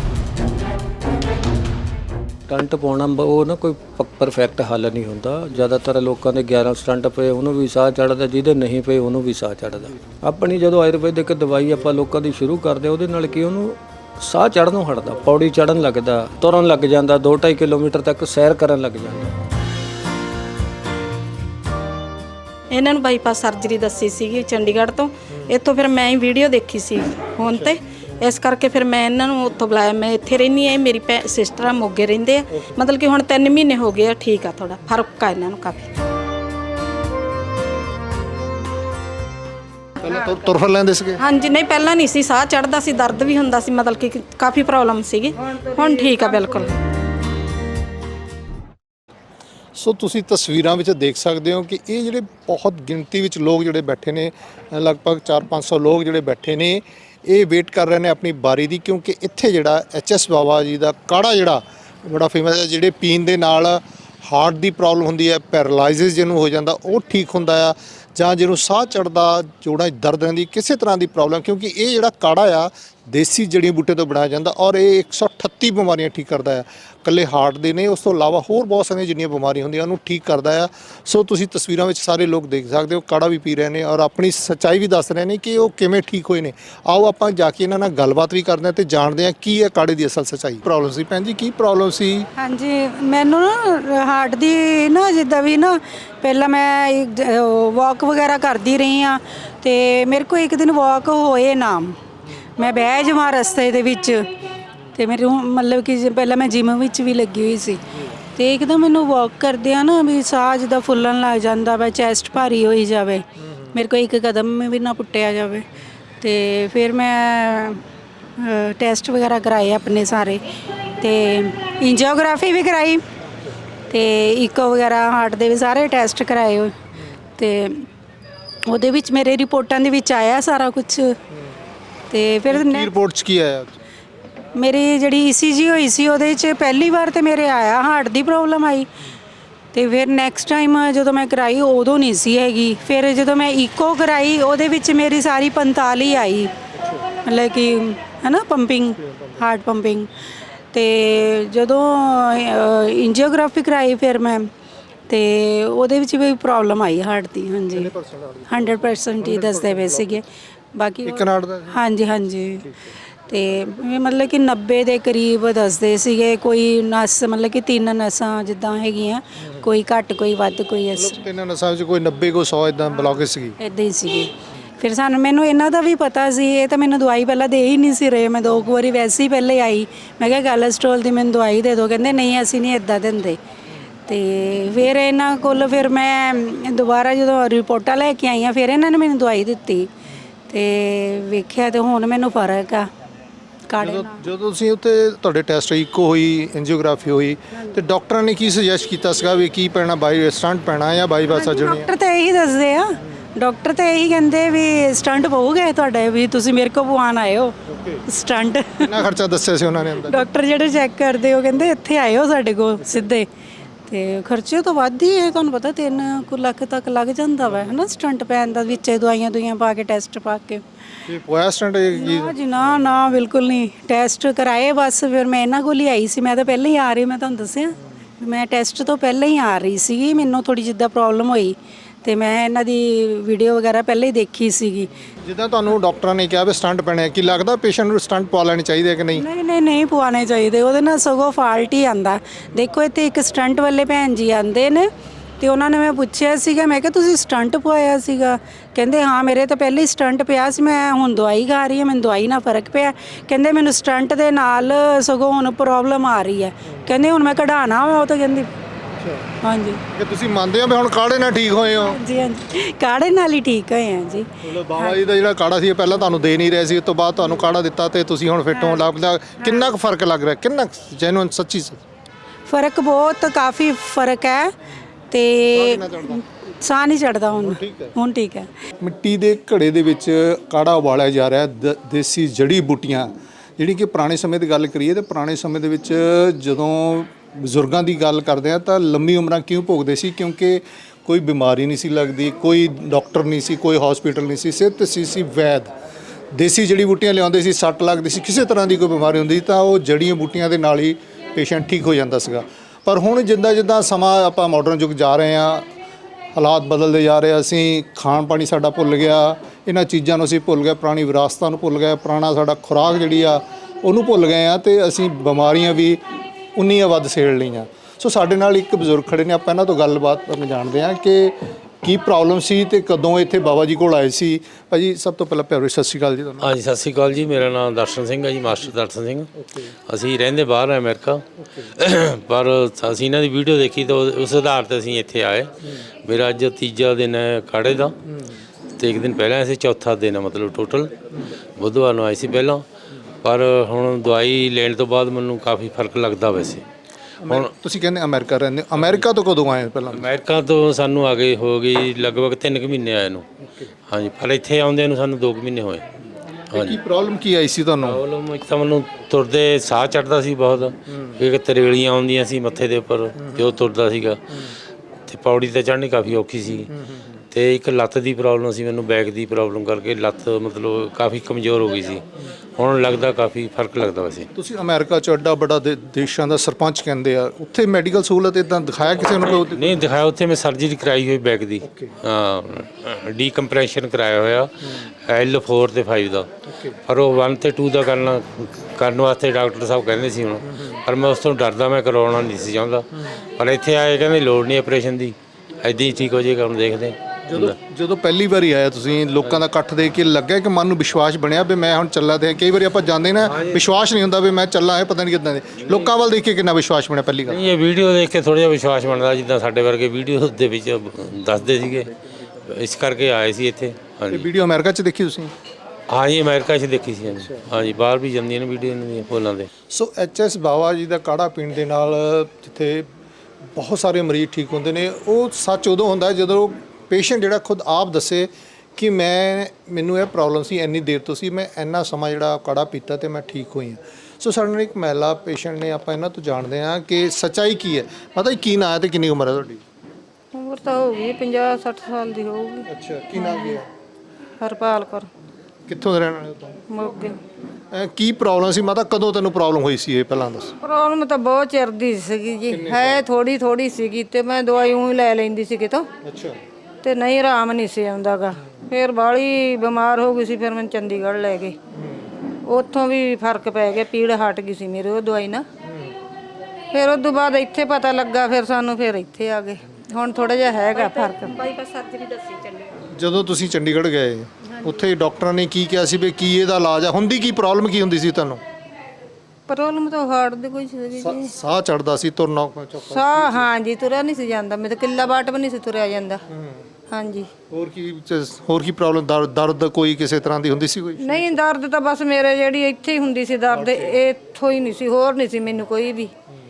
Speaker 5: ਸਟੰਟ ਪਾਉਣਾ ਉਹ ਨਾ ਕੋਈ ਪਰਫੈਕਟ ਹੱਲ ਨਹੀਂ ਹੁੰਦਾ। ਜ਼ਿਆਦਾਤਰ ਲੋਕਾਂ ਦੇ 11 ਸਟੰਟ ਪਏ ਉਹਨੂੰ ਵੀ ਸਾਹ ਚੜ੍ਹਦਾ, ਜਿਹਦੇ ਨਹੀਂ ਪਏ ਉਹਨੂੰ ਵੀ ਸਾਹ ਚੜ੍ਹਦਾ। ਆਪਣੀ ਜਦੋਂ ਆਯੁਰਵੈਦਿਕ ਦਵਾਈ ਆਪਾਂ ਲੋਕਾਂ ਦੀ ਸ਼ੁਰੂ ਕਰਦੇ, ਉਹਦੇ ਨਾਲ ਕੀ ਉਹਨੂੰ ਸਾਹ ਚੜ੍ਹਨੋਂ ਹਟਦਾ, ਪੌੜੀ ਚੜ੍ਹਨ ਲੱਗਦਾ, ਤੁਰਨ ਲੱਗ ਜਾਂਦਾ, 2-2.5 ਕਿਲੋਮੀਟਰ ਤੱਕ ਸੈਰ ਕਰਨ ਲੱਗ ਜਾਂਦਾ।
Speaker 6: ਇਹਨਾਂ ਨੂੰ ਬਾਈਪਾਸ ਸਰਜਰੀ ਦੱਸੀ ਸੀਗੀ ਚੰਡੀਗੜ੍ਹ ਤੋਂ। ਇੱਥੋਂ ਫਿਰ ਮੈਂ ਹੀ ਵੀਡੀਓ ਦੇਖੀ ਸੀ ਫੋਨ ਤੇ, ਇਸ ਕਰਕੇ ਫਿਰ ਮੈਂ ਇਹਨਾਂ ਨੂੰ ਉੱਥੋਂ ਬੁਲਾਇਆ। ਮੈਂ ਇੱਥੇ ਰਹਿੰਦੀ ਹਾਂ, ਮੇਰੀ ਸਿਸਟਰ ਆ ਮੋਗੇ ਰਹਿੰਦੇ ਆ। ਮਤਲਬ ਕਿ ਹੁਣ 3 ਮਹੀਨੇ ਹੋ ਗਏ ਆ, ਠੀਕ ਆ, ਥੋੜਾ ਫਰਕ ਆ ਇਹਨਾਂ ਨੂੰ ਕਾਫੀ।
Speaker 2: ਪਹਿਲਾਂ ਤੁਰ ਫਿਰ ਲੈਂਦੇ ਸੀਗੇ?
Speaker 6: ਹਾਂਜੀ, ਨਹੀਂ ਪਹਿਲਾਂ ਨਹੀਂ ਸੀ, ਸਾਹ ਚੜ੍ਹਦਾ ਸੀ, ਦਰਦ ਵੀ ਹੁੰਦਾ ਸੀ, ਮਤਲਬ ਕਿ ਕਾਫੀ ਪ੍ਰੋਬਲਮ ਸੀਗੀ। ਹੁਣ ਠੀਕ ਆ ਬਿਲਕੁਲ।
Speaker 2: ਸੋ ਤੁਸੀਂ ਤਸਵੀਰਾਂ ਵਿੱਚ ਦੇਖ ਸਕਦੇ ਹੋ ਕਿ ਇਹ ਜਿਹੜੇ ਬਹੁਤ ਗਿਣਤੀ ਵਿੱਚ ਲੋਕ ਜਿਹੜੇ ਬੈਠੇ ਨੇ, ਲਗਭਗ 400-500 ਲੋਕ ਜਿਹੜੇ ਬੈਠੇ ਨੇ, ਇਹ ਵੇਟ ਕਰ ਰਹੇ ਨੇ ਆਪਣੀ ਬਾਰੀ ਦੀ। ਕਿਉਂਕਿ ਇੱਥੇ ਜਿਹੜਾ HS ਬਾਬਾ ਜੀ ਦਾ ਕਾੜਾ ਜਿਹੜਾ ਬੜਾ ਫੇਮਸ ਹੈ, ਜਿਹੜੇ ਪੀਣ ਦੇ ਨਾਲ ਹਾਰਟ ਦੀ ਪ੍ਰੋਬਲਮ ਹੁੰਦੀ ਹੈ, ਪੈਰਾਲਾਈਸਿਸ ਜਿਹਨੂੰ ਹੋ ਜਾਂਦਾ ਉਹ ਠੀਕ ਹੁੰਦਾ ਆ, ਜਾਂ ਜਿਹਨੂੰ ਸਾਹ ਚੜ੍ਹਦਾ, ਜੋੜਾਂ 'ਚ ਦਰਦ ਰਹਿੰਦੀ, ਕਿਸੇ ਤਰ੍ਹਾਂ ਦੀ ਪ੍ਰੋਬਲਮ। ਕਿਉਂਕਿ ਇਹ ਜਿਹੜਾ ਕਾੜਾ ਆ ਦੇਸੀ ਜੜੀ ਬੂਟੇ ਤੋਂ ਬਣਾਇਆ ਜਾਂਦਾ ਔਰ ਇਹ 138 ਬਿਮਾਰੀਆਂ ਠੀਕ ਕਰਦਾ ਹੈ। ਇਕੱਲੇ ਹਾਰਟ ਦੇ ਨੇ, ਉਸ ਤੋਂ ਇਲਾਵਾ ਹੋਰ ਬਹੁਤ ਸਾਰੀਆਂ ਜਿੰਨੀਆਂ ਬਿਮਾਰੀਆਂ ਹੁੰਦੀਆਂ ਉਹਨੂੰ ਠੀਕ ਕਰਦਾ ਆ। ਸੋ ਤੁਸੀਂ ਤਸਵੀਰਾਂ ਵਿੱਚ ਸਾਰੇ ਲੋਕ ਦੇਖ ਸਕਦੇ ਹੋ, ਕਾੜਾ ਵੀ ਪੀ ਰਹੇ ਨੇ ਔਰ ਆਪਣੀ ਸੱਚਾਈ ਵੀ ਦੱਸ ਰਹੇ ਨੇ ਕਿ ਉਹ ਕਿਵੇਂ ਠੀਕ ਹੋਏ ਨੇ। ਆਓ ਆਪਾਂ ਜਾ ਕੇ ਇਹਨਾਂ ਨਾਲ ਗੱਲਬਾਤ ਵੀ ਕਰਦੇ ਹਾਂ ਤੇ ਜਾਣਦੇ ਹਾਂ ਕੀ ਹੈ ਕਾੜੇ ਦੀ ਅਸਲ ਸੱਚਾਈ। ਪ੍ਰੋਬਲਮ ਸੀ ਭੈਣ ਜੀ, ਕੀ ਪ੍ਰੋਬਲਮ ਸੀ?
Speaker 1: ਹਾਂਜੀ ਮੈਨੂੰ ਨਾ ਹਾਰਟ ਦੀ ਨਾ ਜਿੱਦਾਂ ਵੀ ਨਾ, ਪਹਿਲਾਂ ਮੈਂ ਵਾਕ ਵਗੈਰਾ ਕਰਦੀ ਰਹੀ ਹਾਂ ਤੇ ਮੇਰੇ ਕੋਲ ਇੱਕ ਦਿਨ ਵਾਕ ਹੋਏ ਨਾ, ਮੈਂ ਬਹਿ ਜਾਵਾਂ ਰਸਤੇ ਦੇ ਵਿੱਚ ਤੇ ਮੇਰੇ ਮਤਲਬ ਕਿ ਪਹਿਲਾਂ ਮੈਂ ਜਿਮ ਵਿੱਚ ਵੀ ਲੱਗੀ ਹੋਈ ਸੀ ਤੇ ਇੱਕਦਮ ਮੈਨੂੰ ਵਾਕ ਕਰਦੇ ਆ ਨਾ ਵੀ ਸਾਹ ਜਿੱਦਾਂ ਫੁੱਲਣ ਲੱਗ ਜਾਂਦਾ ਵਾ, ਚੈਸਟ ਭਾਰੀ ਹੋਈ ਜਾਵੇ, ਮੇਰੇ ਕੋਲ ਇੱਕ ਕਦਮ ਵੀ ਨਾ ਪੁੱਟਿਆ ਜਾਵੇ। ਤੇ ਫਿਰ ਮੈਂ ਟੈਸਟ ਵਗੈਰਾ ਕਰਾਏ ਆਪਣੇ ਸਾਰੇ ਤੇ ਐਂਜੀਓਗ੍ਰਾਫੀ ਵੀ ਕਰਾਈ ਤੇ ਇਕੋ ਵਗੈਰਾ ਹਾਰਟ ਦੇ ਵੀ ਸਾਰੇ ਟੈਸਟ ਕਰਾਏ ਹੋਏ ਤੇ ਉਹਦੇ ਵਿੱਚ ਮੇਰੇ ਰਿਪੋਰਟਾਂ ਦੇ ਵਿੱਚ ਆਇਆ ਸਾਰਾ ਕੁਝ। ਤੇ ਫਿਰ
Speaker 2: ਰਿਪੋਰਟ 'ਚ ਕੀ ਆਇਆ?
Speaker 1: ਮੇਰੀ ਜਿਹੜੀ ECG ਹੋਈ ਸੀ ਉਹਦੇ 'ਚ ਪਹਿਲੀ ਵਾਰ ਤੇ ਮੇਰੇ ਆਇਆ ਹਾਰਟ ਦੀ ਪ੍ਰੋਬਲਮ ਆਈ ਤੇ ਫਿਰ ਨੈਕਸਟ ਟਾਈਮ ਜਦੋਂ ਮੈਂ ਕਰਾਈ ਉਦੋਂ ਨਹੀਂ ਸੀ ਹੈਗੀ। ਫਿਰ ਜਦੋਂ ਮੈਂ ਈਕੋ ਕਰਾਈ ਉਹਦੇ ਵਿੱਚ ਮੇਰੀ ਸਾਰੀ 45 ਆਈ, ਮਤਲਬ ਕਿ ਹੈ ਨਾ ਪੰਪਿੰਗ, ਹਾਰਟ ਪੰਪਿੰਗ। ਤੇ ਜਦੋਂ ਐਂਜੀਓਗ੍ਰਾਫੀ ਕਰਾਈ ਫਿਰ ਮੈਂ, ਤੇ ਉਹਦੇ ਵਿੱਚ ਵੀ ਪ੍ਰੋਬਲਮ ਆਈ ਹਾਰਟ ਦੀ। ਹਾਂਜੀ 100% ਹੀ ਦੱਸਦੇ ਪਏ ਸੀਗੇ। ਬਾਕੀ
Speaker 2: ਇੱਕ ਨਾੜ ਦਾ?
Speaker 1: ਹਾਂਜੀ ਹਾਂਜੀ। ਤੇ ਮਤਲਬ ਕਿ 90 ਦੇ ਕਰੀਬ ਦੱਸਦੇ ਸੀਗੇ। ਕੋਈ ਨਸ ਮਤਲਬ ਕਿ 3 ਨਸਾਂ ਜਿੱਦਾਂ ਹੈਗੀਆਂ, ਕੋਈ ਘੱਟ ਕੋਈ ਵੱਧ, ਕੋਈ ਇਸ ਤਰ੍ਹਾਂ
Speaker 2: ਤਿੰਨ ਨਸਾਂ ਵਿੱਚ ਕੋਈ 90 ਕੋਈ 100 ਇਦਾਂ ਬਲੌਕੇਜ ਸੀਗੀ।
Speaker 1: ਇੱਦਾਂ ਹੀ ਸੀਗੀ। ਫਿਰ ਮੈਨੂੰ ਇਹਨਾਂ ਦਾ ਵੀ ਪਤਾ ਸੀ। ਇਹ ਤਾਂ ਮੈਨੂੰ ਦਵਾਈ ਪਹਿਲਾਂ ਦੇ ਹੀ ਨਹੀਂ ਸੀ ਰਹੇ। ਮੈਂ 2 ਵਾਰੀ ਵੈਸੇ ਹੀ ਪਹਿਲੇ ਆਈ, ਮੈਂ ਕਿਹਾ ਕੋਲੈਸਟਰੋਲ ਦੀ ਮੈਨੂੰ ਦਵਾਈ ਦੇ ਦਿਓ। ਕਹਿੰਦੇ ਨਹੀਂ ਅਸੀਂ ਨਹੀਂ ਇੱਦਾਂ ਦਿੰਦੇ। ਤੇ ਫਿਰ ਇਹਨਾਂ ਕੋਲ ਫਿਰ ਮੈਂ ਦੁਬਾਰਾ ਜਦੋਂ ਰਿਪੋਰਟਾਂ ਲੈ ਕੇ ਆਈਆਂ, ਫਿਰ ਇਹਨਾਂ ਨੇ ਮੈਨੂੰ ਦਵਾਈ ਦਿੱਤੀ ਤੇ ਵੇਖਿਆ ਤੇ ਹੁਣ ਮੈਨੂੰ ਫਰਕ ਆ ਕਾੜੇ ਨਾਲ।
Speaker 2: ਜਦੋਂ ਤੁਸੀਂ ਉੱਥੇ ਤੁਹਾਡੇ ਟੈਸਟ ਇਕੋ ਹੋਈ, ਐਂਜੀਓਗ੍ਰਾਫੀ ਹੋਈ, ਤੇ ਡਾਕਟਰਾਂ ਨੇ ਕੀ ਸੁਜੈਸਟ ਕੀਤਾ ਸੀਗਾ ਵੀ ਕੀ ਪੈਣਾ, ਬਾਈ ਸਟੰਟ ਪੈਣਾ ਜਾਂ ਬਾਈਪਾਸ ਸਰਜਰੀ?
Speaker 1: ਡਾਕਟਰ ਤਾਂ ਇਹੀ ਦੱਸਦੇ ਆ, ਡਾਕਟਰ ਤਾਂ ਇਹੀ ਕਹਿੰਦੇ ਵੀ ਸਟੰਟ ਪਊਗੇ ਤੁਹਾਡੇ, ਵੀ ਤੁਸੀਂ ਮੇਰੇ ਕੋਲ ਪਵਾਉਣ ਆਏ ਹੋ ਸਟੰਟ।
Speaker 2: ਕਿੰਨਾ ਖਰਚਾ ਦੱਸਿਆ ਸੀ ਉਹਨਾਂ ਨੇ ਅੰਦਰ?
Speaker 1: ਡਾਕਟਰ ਜਿਹੜੇ ਚੈੱਕ ਕਰਦੇ ਉਹ ਕਹਿੰਦੇ ਇੱਥੇ ਆਏ ਹੋ ਸਾਡੇ ਕੋਲ ਸਿੱਧੇ। ਤੇ ਖਰਚੇ ਤੋਂ ਵੱਧ ਹੀ ਹੈ, ਤੁਹਾਨੂੰ ਪਤਾ 3 ਲੱਖ ਤੱਕ ਲੱਗ ਜਾਂਦਾ ਵਾ, ਹੈ ਨਾ ਸਟੰਟ ਪੈਣ ਦਾ, ਵਿੱਚ ਦਵਾਈਆਂ ਪਾ ਕੇ ਟੈਸਟ ਪਾ ਕੇ।
Speaker 2: ਇਹ ਪੋਇਆ ਸਟੰਟ ਕੀ?
Speaker 1: ਨਾ ਜੀ ਨਾ ਬਿਲਕੁਲ ਨਹੀਂ। ਟੈਸਟ ਕਰਾਏ ਬਸ। ਫਿਰ ਮੈਂ ਇਹਨਾਂ ਕੋਲ ਹੀ ਆਈ ਸੀ। ਮੈਂ ਤਾਂ ਪਹਿਲਾਂ ਹੀ ਆ ਰਹੀ, ਮੈਂ ਤੁਹਾਨੂੰ ਦੱਸਿਆ ਮੈਂ ਟੈਸਟ ਤੋਂ ਪਹਿਲਾਂ ਹੀ ਆ ਰਹੀ ਸੀਗੀ। ਮੈਨੂੰ ਥੋੜੀ ਜਿੱਦਾਂ ਪ੍ਰੋਬਲਮ ਹੋਈ ਤੇ ਮੈਂ ਇਹਨਾਂ ਦੀ ਵੀਡੀਓ ਵਗੈਰਾ ਪਹਿਲਾਂ ਹੀ ਦੇਖੀ ਸੀਗੀ।
Speaker 2: ਜਿੱਦਾਂ ਤੁਹਾਨੂੰ ਡਾਕਟਰਾਂ ਨੇ ਕਿਹਾ ਵੀ ਸਟੰਟ ਪੈਣਾ, ਕੀ ਲੱਗਦਾ ਪੇਸ਼ੈਂਟ ਨੂੰ ਸਟੰਟ ਪਵਾ ਲੈਣੇ ਚਾਹੀਦੇ ਕਿ ਨਹੀਂ?
Speaker 1: ਨਹੀਂ ਪਵਾਉਣੇ ਚਾਹੀਦੇ। ਉਹਦੇ ਨਾਲ ਸਗੋਂ ਫਾਲਟ ਹੀ ਆਂਦਾ। ਦੇਖੋ ਇੱਥੇ ਇੱਕ ਸਟੰਟ ਵਾਲੇ ਭੈਣ ਜੀ ਆਂਦੇ ਨੇ, ਤੇ ਉਹਨਾਂ ਨੇ ਮੈਂ ਪੁੱਛਿਆ ਸੀਗਾ, ਮੈਂ ਕਿਹਾ ਤੁਸੀਂ ਸਟੰਟ ਪਵਾਇਆ ਸੀਗਾ? ਕਹਿੰਦੇ ਹਾਂ ਮੇਰੇ ਤਾਂ ਪਹਿਲੇ ਹੀ ਸਟੰਟ ਪਿਆ ਸੀ, ਮੈਂ ਹੁਣ ਦਵਾਈ ਖਾ ਰਹੀ ਹਾਂ, ਮੈਨੂੰ ਦਵਾਈ ਨਾਲ ਫਰਕ ਪਿਆ। ਕਹਿੰਦੇ ਮੈਨੂੰ ਸਟੰਟ ਦੇ ਨਾਲ ਸਗੋਂ ਹੁਣ ਪ੍ਰੋਬਲਮ ਆ ਰਹੀ ਹੈ, ਕਹਿੰਦੇ ਹੁਣ ਮੈਂ ਕਢਾਣਾ ਵਾ। ਉਹ ਤਾਂ ਕਹਿੰਦੀ ਹਾਂਜੀ।
Speaker 2: ਕਿ ਤੁਸੀਂ ਮੰਨਦੇ ਹੋ ਵੀ ਹੁਣ ਕਾੜੇ ਨਾਲ ਠੀਕ ਹੋਏ ਹੋ?
Speaker 1: ਹਾਂਜੀ ਕਾੜੇ ਨਾਲ ਹੀ ਠੀਕ ਹੋਏ ਆ ਜੀ।
Speaker 2: ਮਤਲਬ ਬਾਬਾ ਜੀ ਦਾ ਜਿਹੜਾ ਕਾੜਾ ਸੀ ਪਹਿਲਾਂ ਤੁਹਾਨੂੰ ਦੇ ਨਹੀਂ ਰਹੇ ਸੀ, ਉਸ ਤੋਂ ਬਾਅਦ ਤੁਹਾਨੂੰ ਕਾੜਾ ਦਿੱਤਾ ਤੇ ਤੁਸੀਂ ਹੁਣ ਫਿੱਟ ਹੋ। ਲੱਗਦਾ ਕਿੰਨਾ ਕੁ ਫਰਕ ਲੱਗ ਰਿਹਾ? ਕਿੰਨਾ ਜੈਨੂਇਨ ਸੱਚੀ?
Speaker 1: ਫਰਕ ਬਹੁਤ ਕਾਫੀ ਫਰਕ ਹੈ। ਤੇ ਸਾਹ ਨਹੀਂ ਚੜਦਾ ਹੁਣ ਠੀਕ ਹੈ।
Speaker 2: ਮਿੱਟੀ ਦੇ ਘੜੇ ਦੇ ਵਿੱਚ ਕਾੜਾ ਉਬਾਲਿਆ ਜਾ ਰਿਹਾ, ਦੇਸੀ ਜੜੀ ਬੂਟੀਆਂ, ਜਿਹੜੀ ਕਿ ਪੁਰਾਣੇ ਸਮੇਂ ਦੀ ਗੱਲ ਕਰੀਏ ਤਾਂ ਪੁਰਾਣੇ ਸਮੇਂ ਦੇ ਵਿੱਚ ਜਦੋਂ ਬਜ਼ੁਰਗਾਂ ਦੀ ਗੱਲ ਕਰਦੇ ਆ ਤਾਂ ਲੰਮੀ ਉਮਰਾਂ ਕਿਉਂ ਭੋਗਦੇ ਸੀ? ਕਿਉਂਕਿ ਕੋਈ ਬਿਮਾਰੀ ਨਹੀਂ ਸੀ ਲੱਗਦੀ, ਕੋਈ ਡਾਕਟਰ ਨਹੀਂ ਸੀ, ਕੋਈ ਹਸਪੀਟਲ ਨਹੀਂ ਸੀ, ਸਿਰਫ ਸੀ ਵੈਦ। ਦੇਸੀ ਜੜੀ ਬੂਟੀਆਂ ਲਿਆਉਂਦੇ ਸੀ, ਸੱਟ ਲੱਗਦੀ ਸੀ, ਕਿਸੇ ਤਰ੍ਹਾਂ ਦੀ ਕੋਈ ਬਿਮਾਰੀ ਹੁੰਦੀ ਤਾਂ ਉਹ ਜੜੀਆਂ ਬੂਟੀਆਂ ਦੇ ਨਾਲ ਹੀ ਪੇਸ਼ੈਂਟ ਠੀਕ ਹੋ ਜਾਂਦਾ ਸੀਗਾ। ਪਰ ਹੁਣ ਜਿੱਦਾਂ ਸਮਾਂ ਆਪਾਂ ਮਾਡਰਨ ਯੁੱਗ ਜਾ ਰਹੇ ਹਾਂ, ਹਾਲਾਤ ਬਦਲਦੇ ਜਾ ਰਹੇ, ਅਸੀਂ ਖਾਣ ਪਾਣੀ ਸਾਡਾ ਭੁੱਲ ਗਿਆ, ਇਹਨਾਂ ਚੀਜ਼ਾਂ ਨੂੰ ਅਸੀਂ ਭੁੱਲ ਗਏ, ਪੁਰਾਣੀ ਵਿਰਾਸਤਾਂ ਨੂੰ ਭੁੱਲ ਗਏ, ਪੁਰਾਣਾ ਸਾਡਾ ਖੁਰਾਕ ਜਿਹੜੀ ਆ ਉਹਨੂੰ ਭੁੱਲ ਗਏ ਆ, ਤੇ ਅਸੀਂ ਬਿਮਾਰੀਆਂ ਵੀ ਉਨੀਆਂ ਵੱਧ ਸੇੜ ਲਈਆਂ। ਸੋ ਸਾਡੇ ਨਾਲ ਇੱਕ ਬਜ਼ੁਰਗ ਖੜੇ ਨੇ, ਆਪਾਂ ਇਹਨਾਂ ਤੋਂ ਗੱਲਬਾਤ ਕਰਨਾ ਜਾਣਦੇ ਹਾਂ ਕਿ ਕੀ ਪ੍ਰੋਬਲਮ ਸੀ ਤੇ ਕਦੋਂ ਇੱਥੇ ਬਾਬਾ ਜੀ ਕੋਲ ਆਏ ਸੀ। ਭਾਜੀ ਸਭ ਤੋਂ ਪਹਿਲਾਂ ਪਿਆਰੇ ਸਤਿ ਸ਼੍ਰੀ ਅਕਾਲ ਜੀ ਤੁਹਾਨੂੰ।
Speaker 3: ਹਾਂਜੀ ਸਤਿ ਸ਼੍ਰੀ ਅਕਾਲ ਜੀ। ਮੇਰਾ ਨਾਮ ਦਰਸ਼ਨ ਸਿੰਘ ਹੈ ਜੀ, ਮਾਸਟਰ ਦਰਸ਼ਨ ਸਿੰਘ। ਅਸੀਂ ਰਹਿੰਦੇ ਬਾਹਰ ਹੈ ਅਮਰੀਕਾ, ਪਰ ਅਸੀਂ ਇਹਨਾਂ ਦੀ ਵੀਡੀਓ ਦੇਖੀ ਤਾਂ ਉਸ ਆਧਾਰ 'ਤੇ ਅਸੀਂ ਇੱਥੇ ਆਏ। ਮੇਰਾ ਅੱਜ 3 ਦਿਨ ਹੈ ਕਾੜੇ ਦਾ, ਤੇ ਇੱਕ ਦਿਨ ਪਹਿਲਾਂ ਅਸੀਂ 4ਥਾ ਦਿਨ ਮਤਲਬ ਟੋਟਲ ਬੁੱਧਵਾਰ ਨੂੰ ਆਏ ਸੀ ਪਹਿਲਾਂ। ਪਰ ਹੁਣ ਦਵਾਈ ਲੈਣ ਤੋਂ ਬਾਅਦ ਮੈਨੂੰ ਕਾਫੀ ਫਰਕ ਲੱਗਦਾ। ਵੈਸੇ ਹੁਣ
Speaker 2: ਤੁਸੀਂ ਕਹਿੰਦੇ ਅਮਰੀਕਾ ਰਹਿੰਦੇ, ਅਮਰੀਕਾ ਤੋਂ ਕਦੋਂ ਆਏ ਪਹਿਲਾਂ?
Speaker 3: ਅਮਰੀਕਾ ਤੋਂ ਸਾਨੂੰ ਆ ਗਏ ਹੋ ਗਈ ਲਗਭਗ 3 ਮਹੀਨੇ ਆਏ ਨੂੰ। ਹਾਂਜੀ, ਪਰ ਇੱਥੇ ਆਉਂਦੇ ਨੂੰ ਸਾਨੂੰ 2 ਮਹੀਨੇ ਹੋਏ।
Speaker 2: ਕੀ ਪ੍ਰੋਬਲਮ ਕੀ ਆਈ ਸੀ ਤੁਹਾਨੂੰ?
Speaker 3: ਪ੍ਰੋਬਲਮ ਇੱਕ ਤਾਂ ਮੈਨੂੰ ਤੁਰਦੇ ਸਾਹ ਚੜ੍ਹਦਾ ਸੀ ਬਹੁਤ, ਇੱਕ ਤਰੇਲੀਆਂ ਆਉਂਦੀਆਂ ਸੀ ਮੱਥੇ ਦੇ ਉੱਪਰ ਜੋ ਤੁਰਦਾ ਸੀਗਾ, ਤੇ ਪੌੜੀ ਤੇ ਚੜ੍ਹਨੀ ਕਾਫੀ ਔਖੀ ਸੀ। ਤੇ ਇੱਕ ਲੱਤ ਦੀ ਪ੍ਰੋਬਲਮ ਸੀ ਮੈਨੂੰ, ਬੈਕ ਦੀ ਪ੍ਰੋਬਲਮ ਕਰਕੇ ਲੱਤ ਮਤਲਬ ਕਾਫੀ ਕਮਜ਼ੋਰ ਹੋ ਗਈ ਸੀ। ਹੁਣ ਲੱਗਦਾ ਕਾਫੀ ਫਰਕ ਲੱਗਦਾ। ਵੈਸੇ
Speaker 2: ਤੁਸੀਂ ਅਮਰੀਕਾ 'ਚ ਐਡਾ ਵੱਡਾ ਦੇਸ਼ਾਂ ਦਾ ਸਰਪੰਚ ਕਹਿੰਦੇ ਆ, ਉੱਥੇ ਮੈਡੀਕਲ ਸਹੂਲਤ ਇਦਾਂ ਦਿਖਾਇਆ ਕਿਸੇ ਨੂੰ?
Speaker 3: ਨਹੀਂ ਦਿਖਾਇਆ, ਉੱਥੇ ਮੈਂ ਸਰਜਰੀ ਕਰਾਈ ਹੋਈ ਬੈਕ ਦੀ, ਹਾਂ ਡੀਕੰਪਰੈਸ਼ਨ ਕਰਾਇਆ ਹੋਇਆ L4 ਤੇ 5 ਦਾ। ਪਰ ਉਹ 1 ਤੇ 2 ਦਾ ਕਰਨ ਵਾਸਤੇ ਡਾਕਟਰ ਸਾਹਿਬ ਕਹਿੰਦੇ ਸੀ ਹੁਣ, ਪਰ ਮੈਂ ਉਸ ਤੋਂ ਡਰਦਾ, ਮੈਂ ਕਰਵਾਉਣਾ ਨਹੀਂ ਸੀ ਚਾਹੁੰਦਾ। ਪਰ ਇੱਥੇ ਆਏ ਕਹਿੰਦੇ ਲੋੜ ਨਹੀਂ ਆਪਰੇਸ਼ਨ ਦੀ, ਇੱਦਾਂ ਹੀ ਠੀਕ ਹੋ ਜਾਏਗਾ। ਹੁਣ ਦੇਖਦੇ।
Speaker 2: ਜਦੋਂ ਪਹਿਲੀ ਵਾਰੀ ਆਇਆ ਤੁਸੀਂ, ਲੋਕਾਂ ਦਾ ਇਕੱਠ ਦੇਖ ਕੇ ਲੱਗਿਆ ਕਿ ਮਨ ਨੂੰ ਵਿਸ਼ਵਾਸ ਬਣਿਆ ਵੀ ਮੈਂ ਹੁਣ ਚੱਲਾਂ? ਤੇ ਕਈ ਵਾਰੀ ਆਪਾਂ ਜਾਂਦੇ ਨਾ, ਵਿਸ਼ਵਾਸ ਨਹੀਂ ਹੁੰਦਾ ਵੀ ਮੈਂ ਚੱਲਾਂ, ਇਹ ਪਤਾ ਨਹੀਂ ਕਿੱਦਾਂ ਦੇ। ਲੋਕਾਂ ਵੱਲ ਦੇਖ ਕੇ ਕਿੰਨਾ ਵਿਸ਼ਵਾਸ ਬਣਿਆ ਪਹਿਲੀ ਗੱਲ?
Speaker 3: ਨਹੀਂ, ਇਹ ਵੀਡੀਓ ਦੇਖ ਕੇ ਥੋੜ੍ਹਾ ਜਿਹਾ ਵਿਸ਼ਵਾਸ ਬਣਦਾ, ਜਿੱਦਾਂ ਸਾਡੇ ਵਰਗੇ ਵੀਡੀਓ ਦੇ ਵਿੱਚ ਦੱਸਦੇ ਸੀਗੇ, ਇਸ ਕਰਕੇ ਆਏ ਸੀ ਇੱਥੇ। ਹਾਂਜੀ,
Speaker 2: ਵੀਡੀਓ ਅਮਰੀਕਾ 'ਚ ਦੇਖੀ ਤੁਸੀਂ?
Speaker 3: ਹਾਂਜੀ ਅਮਰੀਕਾ 'ਚ ਦੇਖੀ ਸੀ। ਹਾਂਜੀ, ਬਾਹਰ ਵੀ ਜਾਂਦੀਆਂ ਨੇ ਵੀਡੀਓ ਇਹਨਾਂ ਦੀਆਂ ਫੁੱਲਾਂ ਦੇ।
Speaker 2: ਸੋ HS ਬਾਬਾ ਜੀ ਦਾ ਕਾੜਾ ਪੀਣ ਦੇ ਨਾਲ ਜਿੱਥੇ ਬਹੁਤ ਸਾਰੇ ਮਰੀਜ਼ ਠੀਕ ਹੁੰਦੇ ਨੇ, ਉਹ ਸੱਚ ਉਦੋਂ ਹੁੰਦਾ ਜਦੋਂ ਪੇਸ਼ੈਂਟ ਜਿਹੜਾ ਖੁਦ ਆਪ ਦੱਸੇ ਕਿ ਮੈਨੂੰ ਇਹ ਪ੍ਰੋਬਲਮ ਸੀ, ਇੰਨੀ ਦੇਰ ਤੋਂ ਸੀ, ਮੈਂ ਇੰਨਾ ਸਮਾਂ ਜਿਹੜਾ ਕਾੜਾ ਪੀਤਾ ਤੇ ਮੈਂ ਠੀਕ ਹੋਈ ਹਾਂ। ਸੋ ਸਾਡੇ ਨਾਲ ਇੱਕ ਮਹਿਲਾ ਪੇਸ਼ੈਂਟ ਨੇ, ਆਪਾਂ ਇਹਨਾਂ ਤੋਂ ਜਾਣਦੇ ਹਾਂ ਕਿ ਸੱਚਾਈ ਕੀ ਹੈ। ਪਤਾ ਕੀ ਨਾਂ ਹੈ ਤੇ ਕਿੰਨੀ ਉਮਰ ਹੈ ਤੁਹਾਡੀ?
Speaker 7: ਉਮਰ ਤਾਂ ਹੋਊਗੀ 50-60 ਸਾਲ ਦੀ ਹੋਊਗੀ।
Speaker 2: ਅੱਛਾ, ਕੀ ਨਾਮ ਕੀ ਹੈ?
Speaker 7: ਹਰਪਾਲ ਕੌਰ,
Speaker 2: ਕਿੱਥੋਂ ਦੇ ਰਹਿਣ ਵਾਲੇ ਹੋ?
Speaker 7: ਮੋਗੇ।
Speaker 2: ਕੀ ਪ੍ਰੋਬਲਮ ਸੀ ਮਾਤਾ? ਕਦੋਂ ਤੈਨੂੰ ਪ੍ਰੋਬਲਮ ਹੋਈ ਸੀ ਇਹ ਪਹਿਲਾਂ ਦੱਸ।
Speaker 7: ਪ੍ਰੋਬਲਮ ਤਾਂ ਬਹੁਤ ਚਿਰ ਦੀ ਸੀਗੀ ਜੀ, ਹੈ ਥੋੜੀ ਸੀਗੀ ਤੇ ਮੈਂ ਦਵਾਈ ਉਹੀ ਲੈ ਲੈਂਦੀ ਸੀ ਕਿਤੋਂ,
Speaker 2: ਅੱਛਾ,
Speaker 7: ਤੇ ਨਹੀਂ ਆਰਾਮ ਨਹੀਂ ਸੀ ਆਉਂਦਾਗਾ। ਫਿਰ ਬਾਹਲੀ ਬਿਮਾਰ ਹੋ ਗਈ ਸੀ, ਫਿਰ ਮੈਨੂੰ ਚੰਡੀਗੜ੍ਹ ਲੈ ਗਏ। ਉੱਥੋਂ ਵੀ ਫਰਕ ਪੈ ਗਿਆ, ਪੀੜ ਹਟ ਗਈ ਸੀ ਮੇਰੇ ਉਹ ਦਵਾਈ ਨਾਲ। ਫਿਰ ਉਸ ਤੋਂ ਬਾਅਦ ਇੱਥੇ ਪਤਾ ਲੱਗਾ, ਫਿਰ ਸਾਨੂੰ ਫਿਰ ਇੱਥੇ ਆ ਗਏ। ਹੁਣ ਥੋੜਾ ਜਿਹਾ ਹੈਗਾ ਫਰਕ।
Speaker 6: ਬਾਈਪਾਸ ਸਰਜਰੀ ਦੱਸੀ ਚੰਡੀਗੜ੍ਹ।
Speaker 2: ਜਦੋਂ ਤੁਸੀਂ ਚੰਡੀਗੜ੍ਹ ਗਏ ਉੱਥੇ ਡਾਕਟਰਾਂ ਨੇ ਕੀ ਕਿਹਾ ਸੀ ਵੀ ਕੀ ਇਹਦਾ ਇਲਾਜ ਆ? ਹੁੰਦੀ ਕੀ ਪ੍ਰੋਬਲਮ ਕੀ ਹੁੰਦੀ ਸੀ ਤੁਹਾਨੂੰ?
Speaker 7: ਪ੍ਰੋਬਲਮ ਤਾਂ ਹਾਰਟ ਦੀ ਕੋਈ ਸੀਗੀ ਜੀ।
Speaker 2: ਸਾਹ ਚੜਦਾ ਸੀ, ਤੁਰਨਾ ਚੌਕਾ?
Speaker 7: ਸਾਹ, ਹਾਂਜੀ, ਤੁਰਿਆ ਨਹੀਂ ਸੀ ਜਾਂਦਾ, ਮੇਰੇ ਤਾਂ ਕਿੱਲਾ ਬਾਟ ਵੀ ਨਹੀਂ ਸੀ ਤੁਰਿਆ ਜਾਂਦਾ। ਹਾਂਜੀ।
Speaker 2: ਹੋਰ ਕੀ ਪ੍ਰੋਬਲਮ? ਦਰਦ ਕੋਈ ਕਿਸੇ ਤਰ੍ਹਾਂ ਦੀ ਹੁੰਦੀ ਸੀ ਕੋਈ?
Speaker 7: ਨਹੀਂ, ਦਰਦ ਤਾਂ ਬਸ ਮੇਰੇ ਜਿਹੜੀ ਇੱਥੇ ਹੀ ਹੁੰਦੀ ਸੀ ਦਰਦ, ਇੱਥੋਂ ਹੀ ਨਹੀਂ ਸੀ, ਹੋਰ ਨਹੀਂ ਸੀ ਮੈਨੂੰ ਕੋਈ ਵੀ।